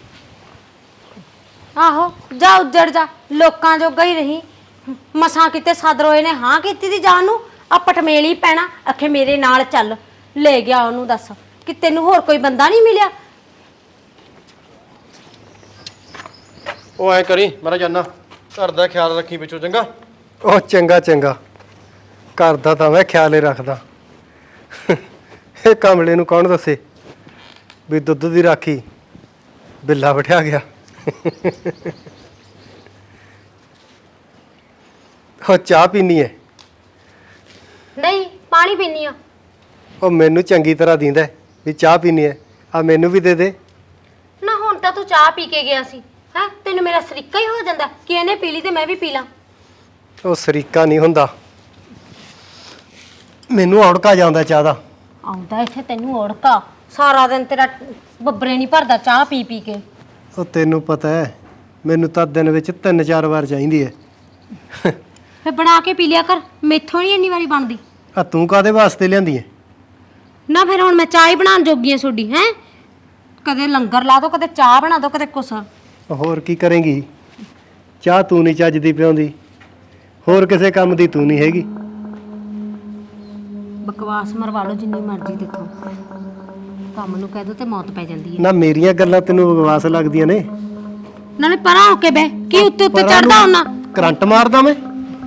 ਆਹੋ ਜਾ ਉੱਜੜ ਜਾ, ਲੋਕਾਂ ਜੋਗਾ ਹੀ ਰਹੀ। ਮਸਾਂ ਕਿਤੇ ਸਦਰੋਏ ਨੇ ਹਾਂ ਕੀਤੀ ਦੀ ਜਾਨ ਨੂੰ, ਆ ਪਟਮੇਲੀ ਪੈਣਾ ਅਖੇ ਮੇਰੇ ਨਾਲ ਚੱਲ। ਲੈ ਗਿਆ ਉਹਨੂੰ, ਦੱਸ ਕਿ ਤੈਨੂੰ ਹੋਰ ਕੋਈ ਬੰਦਾ ਨਹੀਂ ਮਿਲਿਆ? ਉਹ ਐ ਕਰੀ ਮੇਰਾ ਜਾਨਾ, ਘਰ ਦਾ ਖਿਆਲ ਰੱਖੀ ਵਿੱਚੋਂ ਚੰਗਾ। ਉਹ ਚੰਗਾ ਚੰਗਾ, ਕਰਦਾ ਤਾਂ ਮੈਂ ਖਿਆਲ ਹੀ ਰੱਖਦਾ। ਇਹ ਕਮਲੇ ਨੂੰ ਕੌਣ ਦੱਸੇ ਵੀ ਦੁੱਧ ਦੀ ਰਾਖੀ ਬਿੱਲਾ ਬਿਠਾ ਗਿਆ। ਉਹ ਚਾਹ ਪੀਣੀ ਹੈ? ਨਹੀਂ ਪਾਣੀ ਪੀਨੀ ਆ। ਉਹ ਮੈਨੂੰ ਚੰਗੀ ਤਰ੍ਹਾਂ ਦਿੰਦਾ ਵੀ ਚਾਹ ਪੀਣੀ ਹੈ, ਆ ਮੈਨੂੰ ਵੀ ਦੇ ਦੇ ਨਾ ਹੁਣ ਤਾਂ ਤੂੰ ਚਾਹ ਪੀ ਕੇ ਗਿਆ ਸੀ, ਹੈ ਤੈਨੂੰ ਮੇਰਾ ਸਰੀਕਾ ਹੀ ਹੋ ਜਾਂਦਾ ਕਿ ਇਹਨੇ ਪੀ ਲਈ ਤੇ ਮੈਂ ਵੀ ਪੀ ਲਾਂ। ਉਹ ਸਰੀਕਾ ਨਹੀਂ ਹੁੰਦਾ, ਮੈਨੂੰ ਔੜਕਾ ਜਾਂਦਾ ਚਾਹ ਦਾ। ਆਉਂਦਾ ਇੱਥੇ ਤੈਨੂੰ ਔੜਕਾ, ਸਾਰਾ ਦਿਨ ਤੇਰਾ ਬੱਬਰੇ ਨਹੀਂ ਭਰਦਾ ਚਾਹ ਪੀ ਪੀ ਕੇ। ਉਹ ਤੈਨੂੰ ਪਤਾ ਹੈ ਮੈਨੂੰ ਤਾਂ ਦਿਨ ਵਿੱਚ 3-4 ਵਾਰ ਚਾਹੀਦੀ ਹੈ। ਫੇ ਬਣਾ ਕੇ ਪੀ ਲਿਆ ਕਰ, ਮੈਥੋਂ ਨਹੀਂ ਇੰਨੀ ਵਾਰੀ ਬਣਦੀ। ਆ ਤੂੰ ਕਾਦੇ ਵਾਸਤੇ ਲਿਆਂਦੀ ਹੈ? ਨਾ ਫਿਰ ਹੁਣ ਮੈਂ ਚਾਹ ਹੀ ਬਣਾਉਣ ਜੋਗੀ ਆ ਤੁਹਾਡੀ, ਹੈ ਕਦੇ ਲੰਗਰ ਲਾ ਦੋ, ਕਦੇ ਚਾਹ ਬਣਾ ਦੋ, ਕਦੇ ਕੁਛ। ਹੋਰ ਕੀ ਕਰੇਂਗੀ? ਚਾਹ ਤੂੰ ਨਹੀਂ ਚੱਜਦੀ ਪਿਆਉਂਦੀ, ਹੋਰ ਕਿਸੇ ਕੰਮ ਦੀ ਤੂੰ ਨਹੀਂ ਹੈਗੀ। ਬਕਵਾਸ ਮਰਵਾ ਲਓ ਜਿੰਨੀ ਮਰਜ਼ੀ ਦੇਖੋ, ਕੰਮ ਨੂੰ ਕਹਿ ਦੋ ਤੇ ਮੌਤ ਪੈ ਜਾਂਦੀ ਹੈ। ਨਾ ਮੇਰੀਆਂ ਗੱਲਾਂ ਤੈਨੂੰ ਬਕਵਾਸ ਲੱਗਦੀਆਂ ਨੇ? ਨਾਲੇ ਪਰਾਂ ਹੋ ਕੇ ਬਹਿ, ਕੀ ਉੱਤੇ ਉੱਤੇ ਚੜਦਾ ਹੁੰਨਾ? ਕਰੰਟ ਮਾਰਦਾ ਮੈਂ?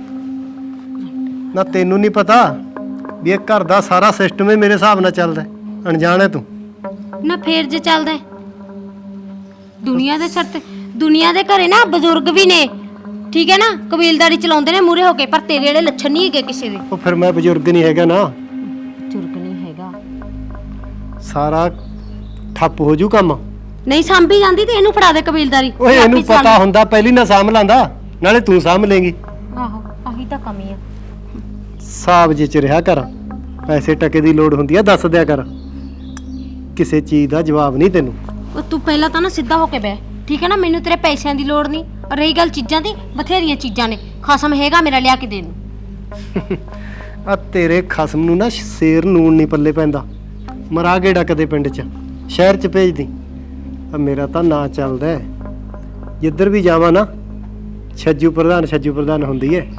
ਨਾ ਤੈਨੂੰ ਨਹੀਂ ਪਤਾ ਵੀ ਇਹ ਘਰ ਦਾ ਸਾਰਾ ਸਿਸਟਮ ਹੀ ਮੇਰੇ ਹਿਸਾਬ ਨਾਲ ਚੱਲਦਾ, ਅਣਜਾਣ ਹੈ ਤੂੰ। ਨਾ ਫੇਰ ਜੇ ਚੱਲਦਾ ਹੈ। ਦੁਨੀਆ ਦੇ ਸਿਰ ਤੇ, ਦੁਨੀਆ ਦੇ ਘਰੇ ਨਾ ਬਜ਼ੁਰਗ ਵੀ ਨੇ, ਠੀਕ ਹੈ ਨਾ, ਕਬੀਲਦਾਰੀ ਚਲਾਉਂਦੇ ਨੇ ਮੂਰੇ ਹੋ ਕੇ, ਪਰ ਤੇਰੇ ਵਾਲੇ ਲੱਛਣ ਨਹੀਂ ਹੈਗੇ ਕਿਸੇ ਦੇ। ਉਹ ਫਿਰ ਮੈਂ ਬਜ਼ੁਰਗ ਨਹੀਂ ਹੈਗਾ ਨਾ, ਬਜ਼ੁਰਗ ਨਹੀਂ ਹੈਗਾ। ਸਾਰਾ ਠੱਪ ਹੋ ਜੂ ਕੰਮ। ਨਹੀਂ ਸਾਂਭੀ ਜਾਂਦੀ ਤੇ ਇਹਨੂੰ ਫੜਾ ਦੇ ਕਬੀਲਦਾਰੀ। ਓਏ ਇਹਨੂੰ ਪਤਾ ਹੁੰਦਾ ਪਹਿਲੀ ਨਾ ਸਾਂਭ ਲਾਂਦਾ, ਨਾਲੇ ਤੂੰ ਸਾਂਭ ਲੇਂਗੀ। ਆਹੋ ਆਹੀ ਤਾਂ ਕਮੀ ਆ। ਸਾਬ ਜੇ ਚ ਰਿਹਾ ਕਰ, ਪੈਸੇ ਟਕੇ ਦੀ ਲੋੜ ਹੁੰਦੀ ਆ ਦੱਸ ਦਿਆ ਕਰ, ਕਿਸੇ ਚੀਜ਼ ਦਾ ਜਵਾਬ ਨਹੀਂ ਤੈਨੂੰ। ਉਹ ਤੂੰ ਪਹਿਲਾਂ ਤਾਂ ਨਾ ਸਿੱਧਾ ਹੋ ਕੇ ਬਹਿ, ਠੀਕ ਹੈ ਨਾ, ਮੈਨੂੰ ਤੇਰੇ ਪੈਸਿਆਂ ਦੀ ਲੋੜ ਨਹੀਂ। ਰਹੀ ਗੱਲ ਚੀਜ਼ਾਂ ਦੀ, ਬਥੇਰੀਆਂ ਚੀਜ਼ਾਂ ਨੇ, ਖਸਮ ਹੈਗਾ ਮੇਰਾ ਲਿਆ ਕੇ ਦੇਣ ਨੂੰ। ਆ ਤੇਰੇ ਖਸਮ ਨੂੰ ਨਾ ਸ਼ੇਰ ਨੂਣ ਨਹੀਂ ਪੱਲੇ ਪੈਂਦਾ, ਮਰਾ ਗੇੜਾ ਕਦੇ ਪਿੰਡ 'ਚ, ਸ਼ਹਿਰ 'ਚ ਭੇਜਦੀ। ਆ ਮੇਰਾ ਤਾਂ ਨਾਂ ਚੱਲਦਾ ਹੈ, ਜਿੱਧਰ ਵੀ ਜਾਵਾਂ ਨਾ ਛੱਜੂ ਪ੍ਰਧਾਨ ਹੁੰਦੀ ਹੈ।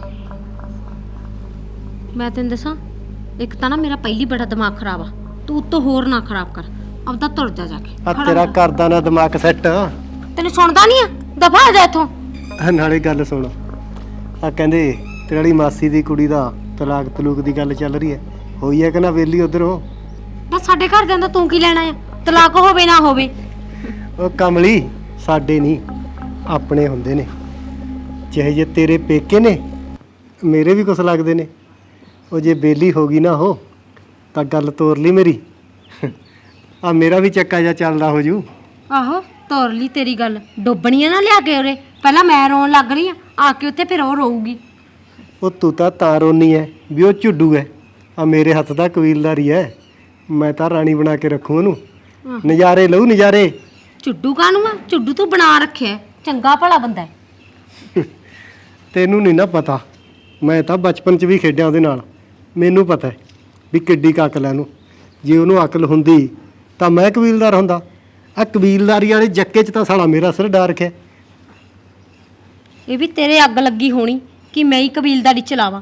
ਮੈਂ ਤੈਨੂੰ ਦੱਸਾਂ, ਇੱਕ ਤਾਂ ਨਾ ਮੇਰਾ ਪਹਿਲੀ ਬੜਾ ਦਿਮਾਗ ਖਰਾਬ ਆ, ਤੂੰ ਉੱਤੋਂ ਹੋਰ ਨਾ ਖਰਾਬ ਕਰ, ਆਪਦਾ ਤੁਰ ਜਾ ਕੇ। ਆ ਤੇਰਾ ਕਰਦਾ ਨਾ ਦਿਮਾਗ ਸੈੱਟ। ਤੈਨੂੰ ਸੁਣਦਾ ਨਹੀਂ ਆ, ਦਫਾ ਹੋ ਜਾ ਇੱਥੋਂ। ਨਾਲੇ ਗੱਲ ਸੁਣ, ਆ ਕਹਿੰਦੇ ਤੇਰੀ ਵਾਲੀ ਮਾਸੀ ਦੀ ਕੁੜੀ ਦਾ ਤਲਾਕ ਤਲੂਕ ਦੀ ਗੱਲ ਚੱਲ ਰਹੀ ਹੈ, ਹੋਈ ਹੈ ਕਿ ਨਾ ਵੇਲੀ ਉਧਰੋਂ? ਬਸ ਸਾਡੇ ਘਰ ਜਾਂਦਾ ਤੂੰ ਕੀ ਲੈਣਾ ਆ, ਤਲਾਕ ਹੋਵੇ ਨਾ ਹੋਵੇ। ਉਹ ਕਮਲੀ, ਸਾਡੇ ਨਹੀਂ ਆਪਣੇ ਹੁੰਦੇ ਨੇ, ਚਾਹੇ ਜੇ ਤੇਰੇ ਪੇਕੇ ਨੇ ਮੇਰੇ ਵੀ ਕੁਛ ਲੱਗਦੇ ਨੇ। ਉਹ ਜੇ ਬੇਲੀ ਹੋ ਗਈ ਨਾ ਉਹ ਤਾਂ ਗੱਲ ਤੋਰ ਲਈ ਮੇਰੀ, ਆ ਮੇਰਾ ਵੀ ਚੱਕਾ ਜਾ ਚੱਲਦਾ ਹੋ ਜੂ। ਆਹੋ ਤੋਰ ਲਈ ਤੇਰੀ ਗੱਲ, ਡੋਬਣੀਆਂ ਨਾ ਲਿਆ ਕੇ ਉਰੇ, ਪਹਿਲਾਂ ਮੈਂ ਰੋਣ ਲੱਗ ਰਹੀ ਆ ਕੇ ਉੱਥੇ, ਫਿਰ ਉਹ ਰੋਊਗੀ। ਉਹ ਤੂੰ ਤਾਂ ਰੋਨੀ ਹੈ ਵੀ ਉਹ ਝੁੱਡੂ ਹੈ, ਆ ਮੇਰੇ ਹੱਥ ਦਾ ਕਬੀਲਦਾਰੀ ਹੈ, ਮੈਂ ਤਾਂ ਰਾਣੀ ਬਣਾ ਕੇ ਰੱਖੂ ਉਹਨੂੰ, ਨਜ਼ਾਰੇ ਲਊ ਨਜ਼ਾਰੇ। ਝੁੱਡੂ ਕਾਹਨੂੰ ਆ, ਝੁੱਡੂ ਤੂੰ ਬਣਾ ਰੱਖਿਆ, ਚੰਗਾ ਭਲਾ ਬੰਦਾ ਹੈ। ਤੈਨੂੰ ਨਹੀਂ ਨਾ ਪਤਾ, ਮੈਂ ਤਾਂ ਬਚਪਨ 'ਚ ਵੀ ਖੇਡਿਆ ਉਹਦੇ ਨਾਲ, ਮੈਨੂੰ ਪਤਾ ਵੀ ਕਿੱਡੀ ਕੁ ਅਕਲ ਹੈ ਉਹਨੂੰ। ਜੇ ਉਹਨੂੰ ਅਕਲ ਹੁੰਦੀ ਤਾਂ ਮੈਂ ਕਬੀਲਦਾਰ ਹੁੰਦਾ। ਆ ਕਬੀਲਦਾਰੀ ਵਾਲੇ ਜੱਕੇ 'ਚ ਤਾਂ ਸਾਲਾ ਮੇਰਾ ਸਿਰ ਡਾਰ ਰੱਖਿਆ। ਇਹ ਵੀ ਤੇਰੇ ਅੱਗ ਲੱਗੀ ਹੋਣੀ ਕਿ ਮੈਂ ਹੀ ਕਬੀਲਦਾਰੀ ਚਲਾਵਾਂ।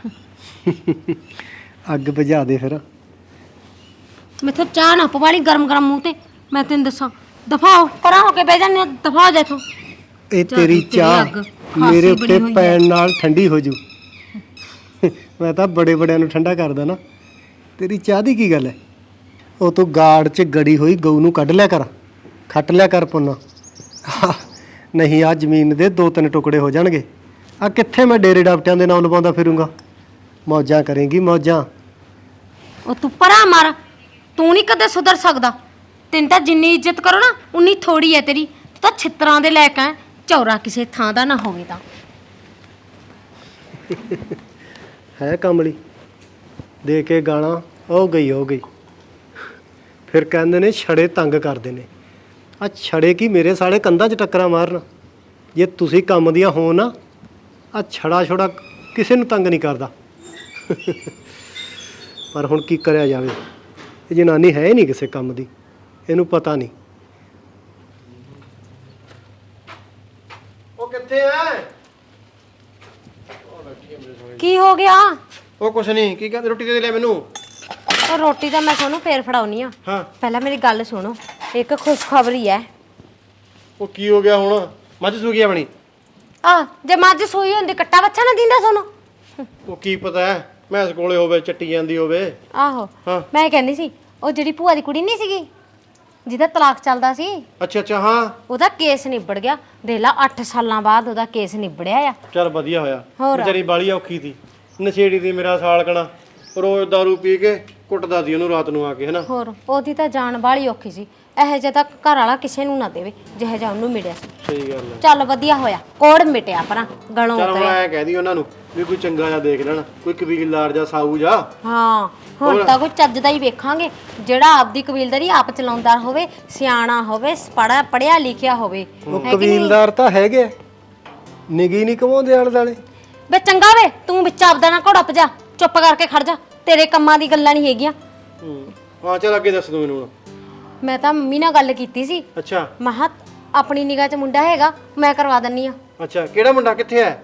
ਅੱਗ ਬੁਝਾ ਦੇ ਫਿਰ। ਮੈਥੋਂ ਚਾਹ ਨਾ ਪਵਾਲੀ ਗਰਮ ਗਰਮ ਮੂੰਹ ਤੇ। ਮੈਂ ਤੈਨੂੰ ਦੱਸਾਂ, ਦਫਾ ਹੋ ਪਰਾਂ ਹੋ ਕੇ ਬਹਿ ਜਾਂਦੇ, ਦਫਾ ਹੋ ਜਾ ਇੱਥੋਂ। ਇਹ ਚੱਲ ਤੇਰੀ ਤੇਰੀ ਚਾਹ ਅੱਗ ਮੇਰੇ ਖਾਸੀ ਉੱਤੇ ਬਣੀ ਹੋਈ ਪੈਣ ਨਾਲ ਠੰਡੀ ਹੋ ਜੂ। ਮੈਂ ਤਾਂ ਬੜੇ ਬੜਿਆਂ ਨੂੰ ਠੰਡਾ ਕਰਦਾ ਨਾ। ਤੇਰੀ ਚਾਹ ਦੀ ਕੀ ਗੱਲ ਹੈ? ਉਹ ਤੂੰ ਗਾੜ 'ਚ ਗੜੀ ਹੋਈ ਗਊ ਨੂੰ ਕੱਢ ਲਿਆ ਕਰ, ਖੱਟ ਲਿਆ ਕਰ ਪੁੰਨਾ। ਨਹੀਂ ਆ ਜ਼ਮੀਨ ਦੇ 2-3 ਟੁਕੜੇ ਹੋ ਜਾਣਗੇ। ਆ ਕਿੱਥੇ ਮੈਂ ਡੇਰੇ ਡਾਪਟਿਆਂ ਦੇ ਨਾਮ ਲਵਾਉਂਦਾ ਫਿਰੂੰਗਾ। ਮੌਜਾਂ ਕਰੇਂਗੀ ਮੌਜਾਂ। ਉਹ ਤੂੰ ਪਰਾਂ ਮਾਰ, ਤੂੰ ਨਹੀਂ ਕਦੇ ਸੁਧਰ ਸਕਦਾ। ਤੈਨੂੰ ਤਾਂ ਜਿੰਨੀ ਇੱਜ਼ਤ ਕਰੋ ਨਾ ਉਨੀ ਥੋੜੀ ਹੈ ਤੇਰੀ। ਤੂੰ ਤਾਂ ਛਿੱਤਰਾਂ ਦੇ ਲੈ ਕੇ ਚੌਰਾ ਕਿਸੇ ਥਾਂ ਦਾ ਨਾ ਹੋਵੇ ਤਾਂ। ਹੈ ਕਮਲੀ ਦੇ ਕੇ ਗਾਲਾਂ ਹੋ ਗਈ। ਫਿਰ ਕਹਿੰਦੇ ਨੇ ਛੜੇ ਤੰਗ ਕਰਦੇ ਨੇ। ਆ ਛੜੇ ਕੀ ਮੇਰੇ ਸਾਲੇ ਕੰਧਾਂ 'ਚ ਟੱਕਰਾਂ ਮਾਰਨ। ਜੇ ਤੁਸੀਂ ਕੰਮ ਦੀਆਂ ਹੋ ਨਾ, ਆ ਛੜਾ ਛੋੜਾ ਕਿਸੇ ਨੂੰ ਤੰਗ ਨਹੀਂ ਕਰਦਾ। ਪਰ ਹੁਣ ਕੀ ਕਰਿਆ ਜਾਵੇ, ਇਹ ਜਨਾਨੀ ਹੈ ਹੀ ਨਹੀਂ ਕਿਸੇ ਕੰਮ ਦੀ, ਇਹਨੂੰ ਪਤਾ ਨਹੀਂ। ਉਹ ਕਿੱਥੇ ਐ? ਕੀ ਹੋ ਗਿਆ? ਉਹ ਕੁਛ ਨਹੀਂ, ਕੀ ਕਹਿੰਦੇ ਰੋਟੀ ਦੇ ਲੈ ਮੈਨੂੰ। ਉਹ ਰੋਟੀ ਤਾਂ ਮੈਂ ਤੁਹਾਨੂੰ ਫੇਰ ਫੜਾਉਣੀ ਆ। ਹਾਂ ਪਹਿਲਾਂ ਮੇਰੀ ਗੱਲ ਸੁਣੋ, ਇੱਕ ਖੁਸ਼ਖਬਰੀ ਹੈ। ਉਹ ਕੀ ਹੋ ਗਿਆ ਹੁਣ? ਮੱਝ ਸੂ ਗਈ ਆਪਣੀ? ਆ ਜੇ ਮੱਝ ਸੂਈ ਹੁੰਦੀ ਕੱਟਾ ਬੱਚਾ ਨਾ ਦਿੰਦਾ ਤੁਹਾਨੂੰ। ਉਹ ਕੀ ਪਤਾ ਹੈ, ਮੈਂਸ ਕੋਲੇ ਹੋਵੇ ਚੱਟੀ ਜਾਂਦੀ ਹੋਵੇ। ਆਹੋ ਹਾਂ। ਮੈਂ ਕਹਿੰਦੀ ਸੀ, ਉਹ ਜਿਹੜੀ ਭੂਆ ਦੀ ਕੁੜੀ ਨਹੀਂ ਸੀਗੀ ਜਿਹਦਾ ਤਲਾਕ ਚੱਲਦਾ ਸੀ, ਅੱਛਾ ਹਾਂ। ਉਹਦਾ ਕੇਸ ਨਿਬੜ ਗਿਆ। ਦੇਖ ਲਾ 8 ਸਾਲਾਂ ਬਾਅਦ ਉਹਦਾ ਕੇਸ ਨਿਬੜਿਆ ਆ। ਚੱਲ ਵਧੀਆ ਹੋਇਆ। ਹੋਰ। ਵਿਚਾਰੀ ਬਾਲੀ ਔਖੀ ਸੀ, ਨਸ਼ੇੜੀ ਦੀ ਮੇਰਾ ਸਾਲਕਣਾ, ਰੋਜ਼ ਦਾਰੂ ਪੀ ਕੇ ਕੁੱਟਦਾ ਸੀ ਉਹਨੂੰ ਰਾਤ ਨੂੰ ਆ ਕੇ, ਹੈਨਾ। ਹੋਰ ਉਹਦੀ ਤਾਂ ਜਾਨ ਬਾਹਲੀ ਔਖੀ ਸੀ। ਇਹੋ ਜਿਹਾ ਤਾਂ ਘਰ ਵਾਲਾ ਕਿਸੇ ਨੂੰ ਨਾ ਦੇਵੇ ਜਿਹੋ ਜਿਹਾ ਉਹਨੂੰ ਮਿਲਿਆ ਸੀ। ਸਹੀ ਗੱਲ ਹੈ। ਚੱਲ ਵਧੀਆ ਹੋਇਆ, ਕੋੜ ਮਿਟਿਆ ਪਰਾਂ ਗਲੋਂ ਚੱਲ ਹੁਣ ਉਤਰਿਆ। ਐ ਕਹਿ ਦੀ ਉਹਨਾਂ ਨੂੰ ਵੀ ਕੋਈ ਚੰਗਾ ਜਿਹਾ ਦੇਖ ਲੈਣ, ਕੋਈ ਕਬੀਲਦਾਰ ਜਾਂ ਸਾਊ ਜਾ। ਹਾਂ ਹੁਣ ਤਾਂ ਕੋਈ ਚੱਜ ਦਾ ਹੀ ਵੇਖਾਂਗੇ, ਜਿਹੜਾ ਆਪਦੀ ਕਬੀਲਦਾਰੀ ਆਪ ਚਲਾਉਂਦਾ ਹੋਵੇ, ਸਿਆਣਾ ਹੋਵੇ, ਪੜਿਆ ਲਿਖਿਆ ਹੋਵੇ। ਉਹ ਕਬੀਲਦਾਰ ਤਾਂ ਹੈਗੇ, ਨਿਗੀ ਨਹੀਂ ਕਮਾਉਂਦੇ ਆਲੇ ਦਾਲੇ। ਵੇ ਚੰਗਾ ਵੇ, ਤੂੰ ਵਿੱਚ ਆਪਦਾ ਨਾ ਘੋੜਾ ਭਜਾ, ਚੁੱਪ ਕਰਕੇ ਖੜ ਜਾ। ਤੇਰੇ ਕੰਮਾਂ ਦੀ ਗੱਲਾਂ ਨਹੀਂ ਹੈਗੀਆਂ। ਹਾਂ ਚੱਲ ਅੱਗੇ ਦੱਸ ਦੂੰ ਮੈਨੂੰ ਹੁਣ। ਮੈਂ ਤਾਂ ਮੰਮੀ ਨਾਲ ਗੱਲ ਕੀਤੀ ਸੀ। ਅੱਛਾ ਮਹਾ ਆਪਣੀ ਨਿਗਾਹ 'ਚ ਮੁੰਡਾ ਹੈਗਾ, ਮੈਂ ਕਰਵਾ ਦਿੰਨੀ ਆ। ਅੱਛਾ, ਕਿਹੜਾ ਮੁੰਡਾ ਕਿੱਥੇ ਹੈ?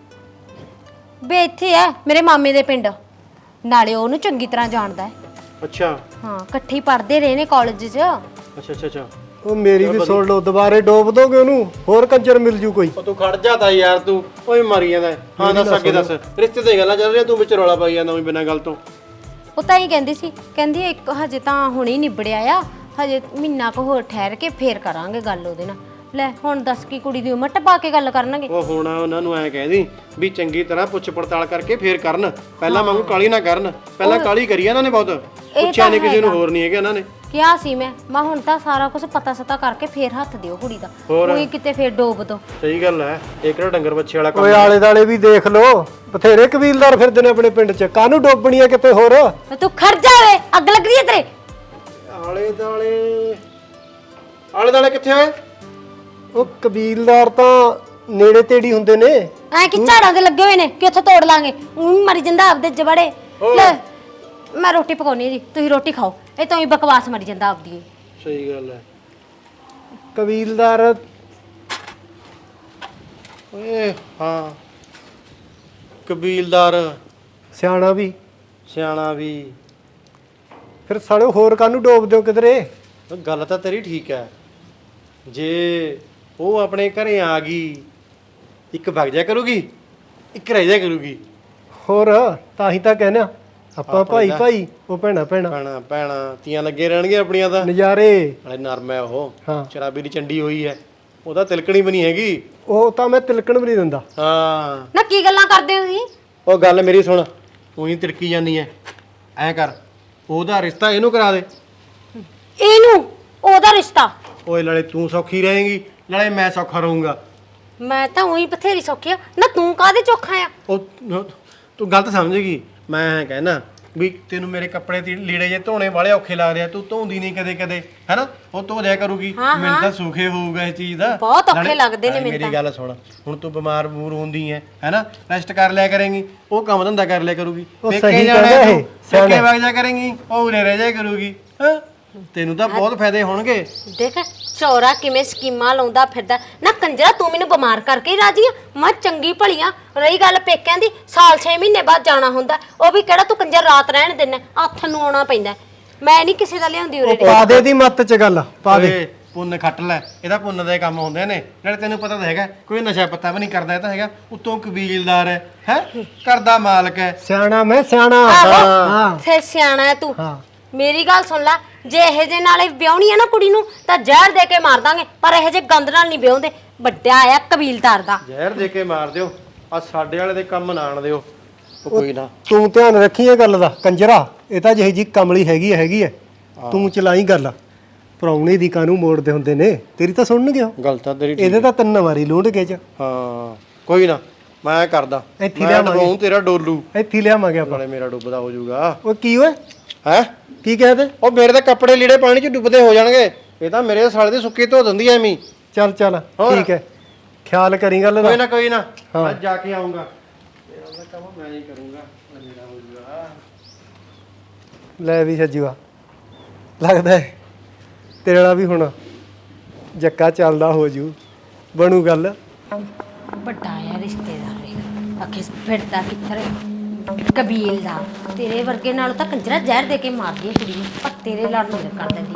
ਵੇ ਇੱਥੇ ਐ ਮੇਰੇ ਮਾਮੇ ਦੇ ਪਿੰਡ, ਨਾਲੇ ਉਹਨੂੰ ਚੰਗੀ ਤਰ੍ਹਾਂ ਜਾਣਦਾ ਹੈ। ਅੱਛਾ ਹਾਂ ਇਕੱਠੇ ਪੜ੍ਹਦੇ ਰਹੇ ਨੇ ਕਾਲਜ 'ਚ। ਅੱਛਾ ਉਹ ਮੇਰੀ ਵੀ ਸੁਣ ਲਓ, ਦੁਬਾਰੇ ਡੋਬ ਦੋਗੇ ਉਹਨੂੰ, ਹੋਰ ਕੰਜਰ ਮਿਲ ਜੂ ਕੋਈ। ਉਹ ਤੂੰ ਖੜ ਜਾ ਤਾ ਯਾਰ, ਤੂੰ ਓਏ ਮਾਰੀ ਜਾਂਦਾ ਹੈ। ਹਾਂ ਦੱਸ ਅੱਗੇ ਦੱਸ। ਰਿਸ਼ਤੇ ਦੀਆਂ ਗੱਲਾਂ ਚੱਲ ਰਹੀਆਂ, ਤੂੰ ਵਿੱਚ ਰੌਲਾ ਪਾਈ ਜਾਂਦਾ ਬਿਨਾਂ ਗੱਲ ਤੋਂ। ਉਹ ਤਾਂ ਹੀ ਕਹਿੰਦੀ ਸੀ, ਕਹਿੰਦੀ ਇੱਕ ਹਜੇ ਤਾਂ ਹੁਣੇ ਹੀ ਨਿਬੜਿਆ ਆ, ਹਜੇ ਮਹੀਨਾ ਕੁ ਹੋਰ ਠਹਿਰ ਕੇ ਫੇਰ ਕਰਾਂਗੇ ਗੱਲ ਉਹਦੇ ਨਾਲ। ਲੈ ਹੁਣ ਦੱਸ ਕੀ ਕੁੜੀ ਦੀ ਉਮਰ ਟਪਾ ਕੇ ਗੱਲ ਕਰਨਗੇ? ਉਹ ਹੁਣ ਉਹਨਾਂ ਨੂੰ ਐ ਕਹਿਦੀ ਵੀ ਚੰਗੀ ਤਰ੍ਹਾਂ ਪੁੱਛ ਪੜਤਾਲ ਕਰਕੇ ਫੇਰ ਕਰਨ, ਪਹਿਲਾਂ ਵਾਂਗੂ ਕਾਲੀ ਨਾ ਕਰਨ। ਪਹਿਲਾਂ ਕਾਲੀ ਕਰੀ ਇਹਨਾਂ ਨੇ ਬਹੁਤ, ਪੁੱਛਿਆ ਨਹੀਂ ਕਿਸੇ ਨੂੰ, ਹੋਰ ਨਹੀਂ ਹੈਗਾ ਇਹਨਾਂ ਨੇ ਕਿਹਾ ਸੀ। ਮੈਂ ਹੁਣ ਤਾਂ ਸਾਰਾ ਕੁਝ ਪਤਾ ਸਤਾ ਕਰਕੇ ਫੇਰ ਹੱਥ ਦਿਓ ਕੁੜੀ ਦਾ, ਕੋਈ ਕਿਤੇ ਫੇਰ ਡੋਬ ਦੋ। ਸਹੀ ਗੱਲ ਹੈ, ਇਹ ਕਿਹੜਾ ਡੰਗਰ ਬੱਚੇ ਵਾਲਾ ਕੰਮ। ਓਏ ਆਲੇ ਦਾਲੇ ਵੀ ਦੇਖ ਲੋ, ਬਥੇਰੇ ਕਬੀਲਦਾਰ ਫਿਰਦੇ ਨੇ ਆਪਣੇ ਪਿੰਡ 'ਚ, ਕਾਹਨੂੰ ਡੋਬਣੀ ਆ ਕਿਤੇ ਹੋਰ। ਤੂੰ ਖੜ ਜਾਵੇ, ਅੱਗ ਲੱਗ ਰਹੀ ਹੈ ਤੇਰੇ। ਆਲੇ ਦਾਲੇ ਕਿੱਥੇ ਹੋਏ? ਉਹ ਕਬੀਲਦਾਰ ਤਾਂ ਨੇੜੇ ਤੇੜੀ ਹੁੰਦੇ ਨੇ। ਐ ਕਿ ਝਾੜਾਂ ਦੇ ਲੱਗੇ ਹੋਏ ਨੇ ਕਿ ਉੱਥੇ ਤੋੜ ਲਾਂਗੇ, ਉਹ ਮਰੀ ਜਾਂਦਾ ਆਪਦੇ ਜਬੜੇ। ਲੈ ਮੈਂ ਰੋਟੀ ਪਕਾਉਣੀ ਜੀ, ਤੁਸੀਂ ਰੋਟੀ ਖਾਓ। ਇਹ ਤਾਂ ਹੀ ਬਕਵਾਸ ਮਰੀ ਜਾਂਦਾ ਆਪਦੀ। ਸਹੀ ਗੱਲ ਹੈ। ਕਬੀਲਦਾਰ ਓਏ ਹਾਂ, ਕਬੀਲਦਾਰ ਸਿਆਣਾ ਵੀ, ਸਿਆਣਾ ਵੀ। ਫਿਰ ਸਾਲੇ ਹੋਰ ਕਾਹਨੂੰ ਡੋਬਦੇ ਹੋ ਕਿਧਰੇ। ਗੱਲ ਤਾਂ ਤੇਰੀ ਠੀਕ ਹੈ, ਜੇ ਉਹ ਆਪਣੇ ਘਰੇ ਆ ਗਈ, ਇੱਕ ਵਗ ਜਾ ਕਰੂਗੀ, ਇੱਕ ਰਹਿ ਜਾ ਕਰੂਗੀ। ਹੋਰ ਤਾਂ ਹੀ ਤਾਂ ਕਹਿੰਦੇ ਆ ਆਪਾਂ ਭਾਈ ਭਾਈ, ਉਹ ਭੈਣਾ ਭੈਣਾ। ਭੈਣਾ ਤੀਆਂ ਲੱਗੇ ਰਹਿਣਗੇ ਆਪਣੀਆਂ ਤਾਂ। ਨਜ਼ਾਰੇ। ਨਾਲੇ ਨਰਮ ਹੈ ਉਹ, ਹਾਂ ਸ਼ਰਾਬੀ ਦੀ ਚੰਡੀ ਹੋਈ ਹੈ, ਉਹਦਾ ਤਿਲਕਣੀ ਵੀ ਨਹੀਂ ਹੈਗੀ। ਉਹ ਤਾਂ ਮੈਂ ਤਿਲਕਣ ਵੀ ਨਹੀਂ ਦਿੰਦਾ। ਹਾਂ ਨਾ ਕੀ ਗੱਲਾਂ ਕਰਦੇ ਹੋ ਤੁਸੀਂ? ਉਹ ਗੱਲ ਮੇਰੀ ਸੁਣ, ਉਹੀ ਤਿਲਕੀ ਜਾਂਦੀ ਹੈ। ਐਂ ਕਰ, ਉਹਦਾ ਰਿਸ਼ਤਾ ਇਹਨੂੰ ਕਰਾ ਦੇ। ਇਹਨੂੰ ਉਹਦਾ ਰਿਸ਼ਤਾ? ਓਏ ਨਾਲੇ ਤੂੰ ਸੌਖੀ ਰਹੇਂਗੀ, ਨਾਲੇ ਮੈਂ ਸੌਖਾ ਰਹੂੰਗਾ। ਮੈਂ ਤਾਂ ਉਹੀ ਬਥੇਰੀ ਸੌਖੀ ਆ ਨਾ, ਤੂੰ ਕਾਹਦੇ ਚੋਖਾ ਆ? ਉਹ ਤੂੰ ਗਲਤ ਸਮਝੇਗੀ। ਮੈਂ ਕਹਿਣਾ ਵੀ ਤੈਨੂੰ ਮੇਰੇ ਕੱਪੜੇ ਤੇ ਲੀੜੇ ਜੇ ਧੋਣੇ ਵਾਲੇ ਔਖੇ ਲੱਗਦੇ ਆ, ਤੂੰ ਧੋਂਦੀ ਨਹੀਂ ਕਦੇ ਕਦੇ, ਹੈਨਾ। ਉਹ ਧੋ ਦਿਆ ਕਰੂਗੀ, ਮੈਨੂੰ ਤਾਂ ਸੁਖੇ ਹੋਊਗਾ ਇਸ ਚੀਜ਼ ਦਾ। ਬਹੁਤ ਔਖੇ ਲੱਗਦੇ ਨੇ ਮੈਨੂੰ ਤਾਂ। ਮੇਰੀ ਗੱਲ ਸੁਣ, ਹੁਣ ਤੂੰ ਬਿਮਾਰ ਬੂਰ ਹੁੰਦੀ ਹੈ, ਹੈਨਾ, ਰੈਸਟ ਕਰ ਲਿਆ ਕਰੇਂਗੀ, ਉਹ ਕੰਮ ਧੰਦਾ ਕਰ ਲਿਆ ਕਰੂਗੀ। ਉਹ ਪੇਕੇ ਸਹੀ ਜਾਣਾ ਕਹਿੰਦਾ ਤੂੰ, ਇਹ, ਪੇਕੇ ਵਗ ਜਾ ਕਰੇਂਗੀ, ਉਹ ਉਰੇ ਰਹਿ ਜਾ ਕਰੂਗੀ। ਹਾਂ ਤੈਨੂੰ ਤਾਂ ਬਹੁਤ ਫਾਇਦੇ ਹੋਣਗੇ। ਦੇਖ ਚੌਰਾ ਕਿਵੇਂ ਸਕੀਮਾਂ ਲਾਉਂਦਾ ਫਿਰਦਾ ਨਾ ਕੰਜਰਾ, ਤੂੰ ਮੈਨੂੰ ਬਿਮਾਰ ਕਰਕੇ ਹੀ ਰਾਜੀ ਆ। ਮੈਂ ਚੰਗੀ ਭਲੀਆਂ। ਰਹੀ ਗੱਲ ਪੇਕਿਆਂ ਦੀ, ਸਾਲ 6 ਮਹੀਨੇ ਬਾਅਦ ਜਾਣਾ ਹੁੰਦਾ, ਉਹ ਵੀ ਕਿਹੜਾ ਤੂੰ ਕੰਜਰ ਰਾਤ ਰਹਿਣ ਦਿੰਦਾ, ਹੱਥ ਨੂੰ ਆਉਣਾ ਪੈਂਦਾ। ਮੈਂ ਨਹੀਂ ਕਿਸੇ ਦਾ ਲਿਆਉਂਦੀ ਉਰੇ। ਪਾ ਦੇ ਦੀ ਮੱਤ ਚ ਗੱਲ, ਪਾ ਦੇ। ਓਏ ਪੁੰਨ ਖੱਟ ਲੈ, ਇਹਦਾ ਪੁੰਨ ਦੇ ਕੰਮ ਹੁੰਦੇ ਨੇ। ਨਾਲੇ ਤੈਨੂੰ ਪਤਾ ਤਾਂ ਹੈਗਾ ਕੋਈ ਨਸ਼ਾ ਪੱਤਾ ਵੀ ਨਹੀਂ ਕਰਦਾ, ਇਹ ਤਾਂ ਹੈਗਾ ਉਤੋਂ ਕਬੀਲਦਾਰ ਹੈ ਘਰ ਦਾ ਮਾਲਕ ਹੈ। ਸਿਆਣਾ ਮੈਂ ਸਿਆਣਾ। ਆਹੋ ਥੇ ਸਿਆਣਾ ਹੈ ਤੂੰ। ਹਾਂ ਮੇਰੀ ਗੱਲ ਸੁਣ ਲੈ, ਜੇ ਇਹੋ ਜੇ ਨਾਲੇ ਵਿਆਹਣੀ ਆ ਨਾ ਕੁੜੀ ਨੂੰ ਤਾਂ ਜ਼ਹਿਰ ਦੇ ਕੇ ਮਾਰ ਦਾਂਗੇ, ਪਰ ਇਹੋ ਜੇ ਗੰਦ ਨਾਲ ਨਹੀਂ ਵਿਆਹੁੰਦੇ। ਵੱਡਾ ਆਇਆ ਕਬੀਲਦਾਰ ਦਾ। ਜ਼ਹਿਰ ਦੇ ਕੇ ਮਾਰ ਦਿਓ, ਆ ਸਾਡੇ ਵਾਲੇ ਦੇ ਕੰਮ ਨਾ ਆਣ ਦਿਓ। ਉਹ ਕੋਈ ਨਾ, ਤੂੰ ਧਿਆਨ ਰੱਖੀ ਇਹ ਗੱਲ ਦਾ ਕੰਜਰਾ, ਇਹ ਤਾਂ ਜਿਹੀ ਜੀ ਕਮਲੀ ਹੈਗੀ ਹੈ। ਤੂੰ ਚਲਾਈ ਗੱਲ, ਪ੍ਰਾਹੁਣੇ ਦੀ ਕਾਹਨੂੰ ਮੋੜਦੇ ਹੁੰਦੇ ਨੇ, ਤੇਰੀ ਤਾਂ ਸੁਣਨਗੇ ਉਹ। ਗੱਲ ਤਾਂ ਤੇਰੀ ਇਹਦੇ ਤਾਂ 3 ਵਾਰੀ ਲੂੰਡ ਕੇ ਚ। ਹਾਂ ਕੋਈ ਨਾ, ਮੈਂ ਕਰਦਾ। ਇੱਥੇ ਮੈਂ ਲਿਆਵਾਂਗੇ। ਡੁਬਾਊਂ ਤੇਰਾ ਡੋਲੂ, ਇੱਥੇ ਲਿਆਵਾਂਗੇ ਆਪਾਂ। ਨਾਲੇ ਮੇਰਾ ਡੁੱਬਦਾ ਹੋ ਜਾਊਗਾ। ਉਹ ਕੀ ਓਏ, ਹੈ ਕੀ ਕਹਦੇ? ਉਹ ਮੇਰੇ ਤਾਂ ਕੱਪੜੇ ਲੀੜੇ ਪਾਣੀ 'ਚ ਡੁੱਬਦੇ ਹੋ ਜਾਣਗੇ, ਇਹ ਤਾਂ ਮੇਰੇ ਸਾਲੇ ਦੀ ਸੁੱਕੀ ਧੋ ਦਿੰਦੀ ਐਵੇਂ ਹੀ। ਚੱਲ ਠੀਕ ਹੈ, ਖਿਆਲ ਕਰੀ ਗੱਲ ਦਾ। ਕੋਈ ਨਾ ਮੈਂ ਜਾ ਕੇ ਆਉਂਗਾ। ਮੇਰਾ ਕੰਮ ਮੈਂ ਹੀ ਕਰੂੰਗਾ, ਮੇਰਾ ਹੋ ਜਾਊਗਾ। ਲੈ ਵੀ ਸੱਜੂਆ, ਲੱਗਦਾ ਹੈ ਤੇਰੇ ਨਾਲ ਵੀ ਹੁਣ ਜੱਕਾ ਚੱਲਦਾ ਹੋ ਜੂ, ਬਣੂ ਗੱਲ। ਵੱਡਾ ਆਇਆ ਰਿਸ਼ਤੇਦਾਰ ਰੇ, ਆਖੇ ਫਿਰਦਾ ਕਿੱਧਰ ਕਬੀਲ ਦਾ। ਤੇਰੇ ਵਰਗੇ ਨਾਲ ਤਾਂ ਕੰਜਰਾ ਜ਼ਹਿਰ ਦੇ ਕੇ ਮਾਰਦੀ ਹੈ ਕੁੜੀ ਨੂੰ, ਪਰ ਤੇਰੇ ਲੜ ਨਹੀਂ ਕਰ ਦਿੰਦੀ।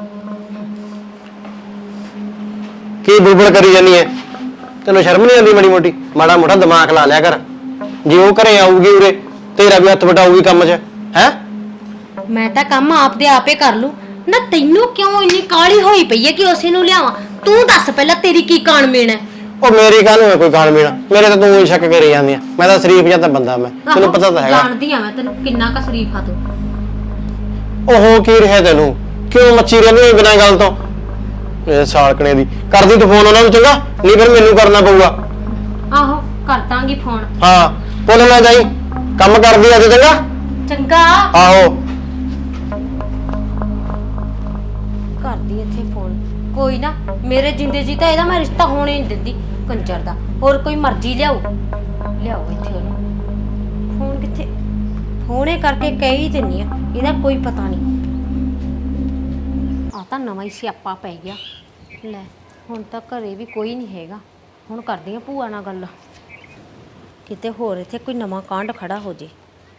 ਕੀ ਬੁਲਬੁਲ ਕਰੀ ਜਾਨੀ ਐ? ਤੈਨੂੰ ਸ਼ਰਮ ਨਹੀਂ ਆਉਂਦੀ ਮਾੜੀ ਮੋਟੀ? ਮਾੜਾ ਮੋਟਾ ਦਿਮਾਗ ਲਾ ਲਿਆ ਕਰ। ਜੇ ਉਹ ਘਰੇ ਆਊਗੀ ਉਰੇ, ਤੇਰਾ ਵੀ ਹੱਥ ਵਟਾਊਗੀ ਕੰਮ 'ਚ। ਹੈ ਮੈਂ ਤਾਂ ਕੰਮ ਆਪਦੇ ਆਪੇ ਕਰ ਲੂ ਨਾ। ਤੈਨੂੰ ਕਿਉਂ ਇੰਨੀ ਕਾਹਲੀ ਹੋਈ ਪਈ ਹੈ ਕਿ ਉਸੇ ਨੂੰ ਲਿਆਵਾਂ? ਤੂੰ ਦੱਸ ਪਹਿਲਾਂ, ਤੇਰੀ ਕੀ ਕਾਣ ਮੇਣ ਹੈ? ਉਹ ਮੇਰੀ ਕਾਹਨੂੰ ਹੈ ਕੋਈ ਕਾਣ ਮੀਣਾ? ਮੇਰੇ ਤਾਂ ਤੂੰ ਹੀ ਸ਼ੱਕ ਕਰੀ ਜਾਂਦੀ ਆ। ਮੈਂ ਤਾਂ ਸ਼ਰੀਫ ਜਾਂ ਤਾਂ ਬੰਦਾ, ਮੈਂ ਤੈਨੂੰ ਪਤਾ ਤਾਂ ਹੈਗਾ। ਜਾਣਦੀ ਆ ਮੈਂ ਤੈਨੂੰ ਕਿੰਨਾ ਕ ਸ਼ਰੀਫ ਆ ਤੂੰ। ਉਹ ਕੀ ਰਿਹਾ ਤੈਨੂੰ? ਕਿਉਂ ਮੱਚੀ ਰਹਿੰਦੀ ਬਿਨਾਂ ਗੱਲ ਤੋਂ? ਇਹ ਸਾਲਕਣੇ ਦੀ ਕਰਦੀ ਤੂੰ ਫੋਨ ਉਹਨਾਂ ਨੂੰ, ਚੰਗਾ? ਨਹੀਂ ਫਿਰ ਮੈਨੂੰ ਕਰਨਾ ਪਊਗਾ। ਆਹੋ ਕਰ ਦਾਂਗੀ ਫੋਨ। ਹਾਂ ਭੁੱਲ ਨਾ ਜਾਈ, ਕੰਮ ਕਰਦੀ ਅੱਜ, ਚੰਗਾ? ਚੰਗਾ ਆਹੋ ਕਰਦੀ ਇੱਥੇ ਫੋਨ। ਕੋਈ ਨਾ, ਮੇਰੇ ਜਿੰਦੇ ਜੀ ਤਾਂ ਇਹਦਾ ਮੈਂ ਰਿਸ਼ਤਾ ਹੋਣੇ ਨਹੀਂ ਦਿੰਦੀ ਕੰਜਰ ਦਾ। ਹੋਰ ਕੋਈ ਮਰਜ਼ੀ ਲਿਆਓ ਇੱਥੇ ਉਹਨੂੰ। ਫੋਨ ਕਿੱਥੇ? ਫੋਨੇ ਕਰਕੇ ਕਹਿ ਹੀ ਦਿੰਨੀ ਆ, ਇਹਦਾ ਕੋਈ ਪਤਾ ਨਹੀਂ। ਆ ਤਾਂ ਨਵਾਂ ਹੀ ਸਿਆਪਾ ਪੈ ਗਿਆ। ਲੈ ਹੁਣ ਤਾਂ ਘਰੇ ਵੀ ਕੋਈ ਨਹੀਂ ਹੈਗਾ। ਹੁਣ ਕਰਦੀ ਆ ਭੂਆ ਨਾਲ ਗੱਲ, ਕਿਤੇ ਹੋਰ ਇੱਥੇ ਕੋਈ ਨਵਾਂ ਕਾਂਡ ਖੜਾ ਹੋ ਜੇ।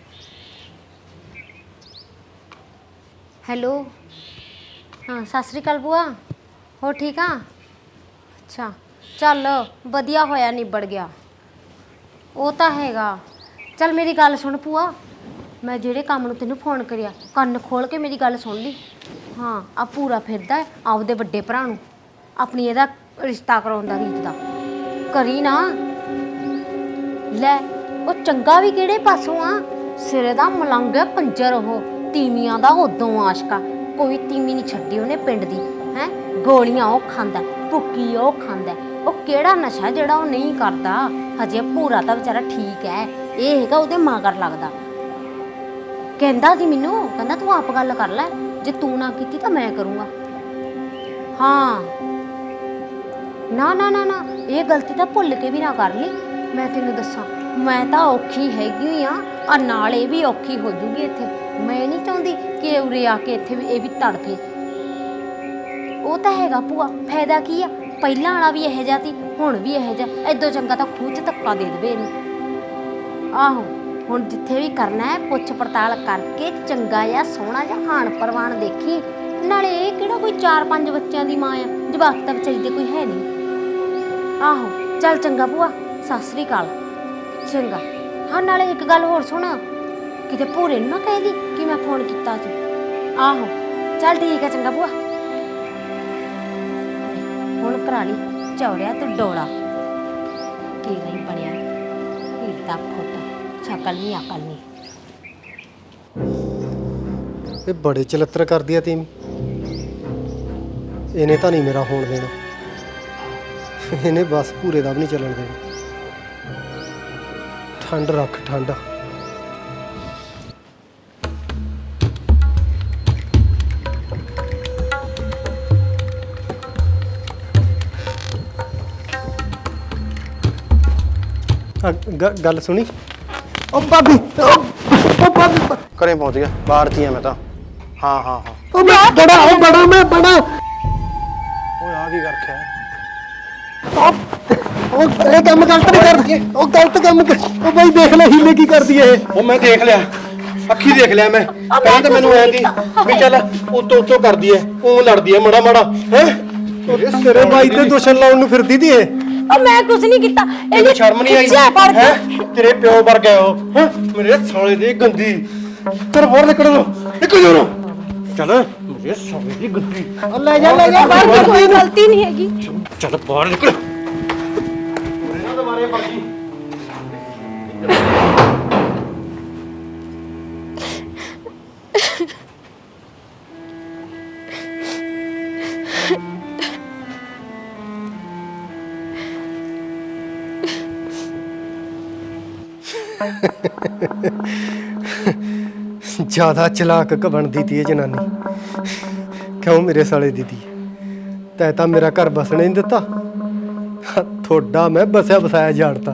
ਹੈਲੋ, ਹਾਂ ਸਤਿ ਸ਼੍ਰੀ ਅਕਾਲ ਭੂਆ, ਹੋ ਠੀਕ ਆ? ਅੱਛਾ ਚੱਲ ਵਧੀਆ ਹੋਇਆ, ਨਿਬੜ ਗਿਆ। ਉਹ ਤਾਂ ਹੈਗਾ। ਚੱਲ ਮੇਰੀ ਗੱਲ ਸੁਣ ਭੂਆ, ਮੈਂ ਜਿਹੜੇ ਕੰਮ ਨੂੰ ਤੈਨੂੰ ਫੋਨ ਕਰਿਆ, ਕੰਨ ਖੋਲ ਕੇ ਮੇਰੀ ਗੱਲ ਸੁਣ ਲਈ। ਹਾਂ ਆ ਪੂਰਾ ਫਿਰਦਾ ਹੈ ਆਪਦੇ ਵੱਡੇ ਭਰਾ ਨੂੰ ਆਪਣੀ ਇਹਦਾ ਰਿਸ਼ਤਾ ਕਰਾਉਣ ਦਾ, ਰੀਤ ਦਾ ਕਰੀ ਨਾ। ਲੈ ਉਹ ਚੰਗਾ ਵੀ ਕਿਹੜੇ ਪਾਸੋਂ ਆ? ਸਿਰੇ ਦਾ ਮਲੰਗ ਹੈ ਕੰਜਰ, ਉਹ ਤੀਵੀਆਂ ਦਾ ਉਦੋਂ ਆਸ਼ਕਾ। ਕੋਈ ਤੀਵੀਂ ਨਹੀਂ ਛੱਡੀ ਉਹਨੇ ਪਿੰਡ ਦੀ। ਹੈ ਗੋਲੀਆਂ ਉਹ ਖਾਂਦਾ, ਭੁੱਕੀ ਉਹ ਖਾਂਦਾ। ਉਹ ਕਿਹੜਾ ਨਸ਼ਾ ਜਿਹੜਾ ਉਹ ਨਹੀਂ ਕਰਦਾ? ਹਜੇ ਪੂਰਾ ਤਾਂ ਵਿਚਾਰਾ ਠੀਕ ਹੈ, ਇਹ ਹੈਗਾ ਉਹਦੇ ਮਗਰ ਲੱਗਦਾ। ਕਹਿੰਦਾ ਸੀ ਮੈਨੂੰ, ਕਹਿੰਦਾ ਤੂੰ ਆਪ ਗੱਲ ਕਰ ਲੈ, ਜੇ ਤੂੰ ਨਾ ਕੀਤੀ ਤਾਂ ਮੈਂ ਕਰੂੰਗਾ। ਹਾਂ ਨਾ ਨਾ ਨਾ ਨਾ, ਇਹ ਗਲਤੀ ਤਾਂ ਭੁੱਲ ਕੇ ਵੀ ਨਾ ਕਰ ਲਈ। ਮੈਂ ਤੈਨੂੰ ਦੱਸਾਂ, ਮੈਂ ਤਾਂ ਔਖੀ ਹੈਗੀ ਆ ਨਾਲ ਇਹ ਵੀ ਔਖੀ ਹੋ ਜੂਗੀ ਇੱਥੇ। ਮੈਂ ਨਹੀਂ ਚਾਹੁੰਦੀ ਕਿ ਉਰੇ ਆ ਕੇ ਇੱਥੇ ਵੀ ਇਹ ਵੀ ਤੜਫੇ। ਉਹ ਤਾਂ ਹੈਗਾ ਭੂਆ, ਫਾਇਦਾ ਕੀ ਆ? ਪਹਿਲਾਂ ਵਾਲਾ ਵੀ ਇਹੋ ਜਿਹਾ ਸੀ, ਹੁਣ ਵੀ ਇਹੋ ਜਿਹਾ। ਐਦੋਂ ਚੰਗਾ ਤਾਂ ਖੂਹ 'ਚ ਧੱਕਾ ਦੇ ਦੇਵੇ ਇਹਨੂੰ। ਆਹੋ ਹੁਣ ਜਿੱਥੇ ਵੀ ਕਰਨਾ ਹੈ ਪੁੱਛ ਪੜਤਾਲ ਕਰਕੇ ਚੰਗਾ ਜਾਂ ਸੋਹਣਾ ਜਾਂ ਹਾਣ ਪਰਵਾਨ ਦੇਖੀ। ਨਾਲੇ ਇਹ ਕਿਹੜਾ ਕੋਈ 4-5 ਬੱਚਿਆਂ ਦੀ ਮਾਂ ਆ, ਜਵਾਕ ਤਾਂ ਵਿਚਾਰੀ ਦੇ ਕੋਈ ਹੈ ਨਹੀਂ। ਆਹੋ ਚੱਲ ਚੰਗਾ ਭੂਆ, ਸਤਿ ਸ੍ਰੀ ਅਕਾਲ। ਚੰਗਾ। ਹਾਂ ਨਾਲੇ ਇੱਕ ਗੱਲ ਹੋਰ ਸੁਣ, ਕਿਤੇ ਭੂਰੇ ਨੂੰ ਨਾ ਕਹਿ ਦੀ ਕਿ ਮੈਂ ਫੋਨ ਕੀਤਾ ਸੀ। ਆਹੋ ਚੱਲ ਠੀਕ ਹੈ, ਚੰਗਾ ਭੂਆ। ਹੁਣ ਕਰਾ ਲਈ ਚੌੜਿਆ ਤੂੰ ਡੋਲਾ, ਕੀ ਨਹੀਂ ਬਣਿਆ ਹੀਦਾ ਫੁੱਟ, ਸ਼ਕਲ ਨਹੀਂ ਅਕਲ ਨਹੀਂ। ਇਹ ਬੜੇ ਚਲੱਤਰ ਕਰਦੀ ਆ ਤੀਵੀਂ, ਇਹਨੇ ਤਾਂ ਨਹੀਂ ਮੇਰਾ ਹੋਣ ਦੇਣਾ। ਇਹਨੇ ਬਸ ਪੂਰੇ ਦਾ ਵੀ ਨਹੀਂ ਚੱਲਣ ਦੇਣਾ। ਠੰਡ ਰੱਖ ਠੰਡ। ਗੱਲ ਸੁਣੀ? ਉਹ ਭਾਬੀ, ਉਹ ਭਾਬੀ ਘਰੇ ਪਹੁੰਚ ਗਿਆ, ਬਾਹਰ 'ਚ ਹੀ ਆ ਮੈਂ ਤਾਂ। ਹਾਂ ਹਾਂ ਹਾਂ ਉਹ ਮੈਂ ਬੜਾ ਮੈਂ ਬੜਾ ਓਏ ਆ ਕੀ ਕਰਖਿਆ ਉਹ ਇਹ ਕੰਮ ਗਲਤ ਨਹੀਂ ਕਰਦੀ ਉਹ ਗਲਤ ਕੰਮ ਉਹ ਬਾਈ ਦੇਖ ਲੈ ਹੀਲੇ ਕੀ ਕਰਦੀ ਹੈ ਇਹ ਉਹ ਮੈਂ ਦੇਖ ਲਿਆ ਅੱਖੀ ਦੇਖ ਲਿਆ ਮੈਂ ਪਹਿਲਾਂ ਤਾਂ ਮੈਨੂੰ ਐਂ ਦੀ ਵੀ ਚੱਲ ਉੱਤੋਂ ਕਰਦੀ ਐ ਉਹ ਲੜਦੀ ਐ ਮਾੜਾ ਮਾੜਾ ਹੈ ਤੇਰੇ ਬਾਈ ਤੇ ਦੁਸ਼ਮਣ ਲਾਉਣ ਨੂੰ ਫਿਰਦੀ ਤੀ ਇਹ ਉਹ ਮੈਂ ਕੁਝ ਨਹੀਂ ਕੀਤਾ ਤੈਨੂੰ ਸ਼ਰਮ ਨਹੀਂ ਆਈ ਖਿੱਚਿਆ ਫੜ ਕੇ। ਹੈ ਤੇਰੇ ਪਿਓ ਵਰਗਾ ਉਹ ਹੈਂ? ਮੇਰੇ ਸਾਲੇ ਦੀ ਗੰਦੀ ਚਲ ਬਾਹਰ ਨਿਕਲ ਜਾ ਚੱਲ ਮੇਰੇ ਸਾਲੇ ਦੀ ਗੰਦੀ ਲੈ ਜਾ ਬਾਹਰ ਕੋਈ ਗਲਤੀ ਨਹੀਂ ਹੈਗੀ ਚੱਲ ਬਾਹਰ ਨਿਕਲ ਇਹਨਾਂ ਦੁਬਾਰੇ ਮਰਜੀ ਜ਼ਿਆਦਾ ਚਲਾਕ ਬਣਦੀ ਤੀ ਇਹ ਜਨਾਨੀ ਕਿਉਂ ਮੇਰੇ ਸਾਲੇ ਦੀ ਤੀ ਤੈ ਤਾਂ ਮੇਰਾ ਘਰ ਬਸਣੇ ਨਹੀਂ ਦਿੱਤਾ ਤੁਹਾਡਾ ਮੈਂ ਬਸਿਆ ਬਸਾਇਆ ਝਾੜਤਾ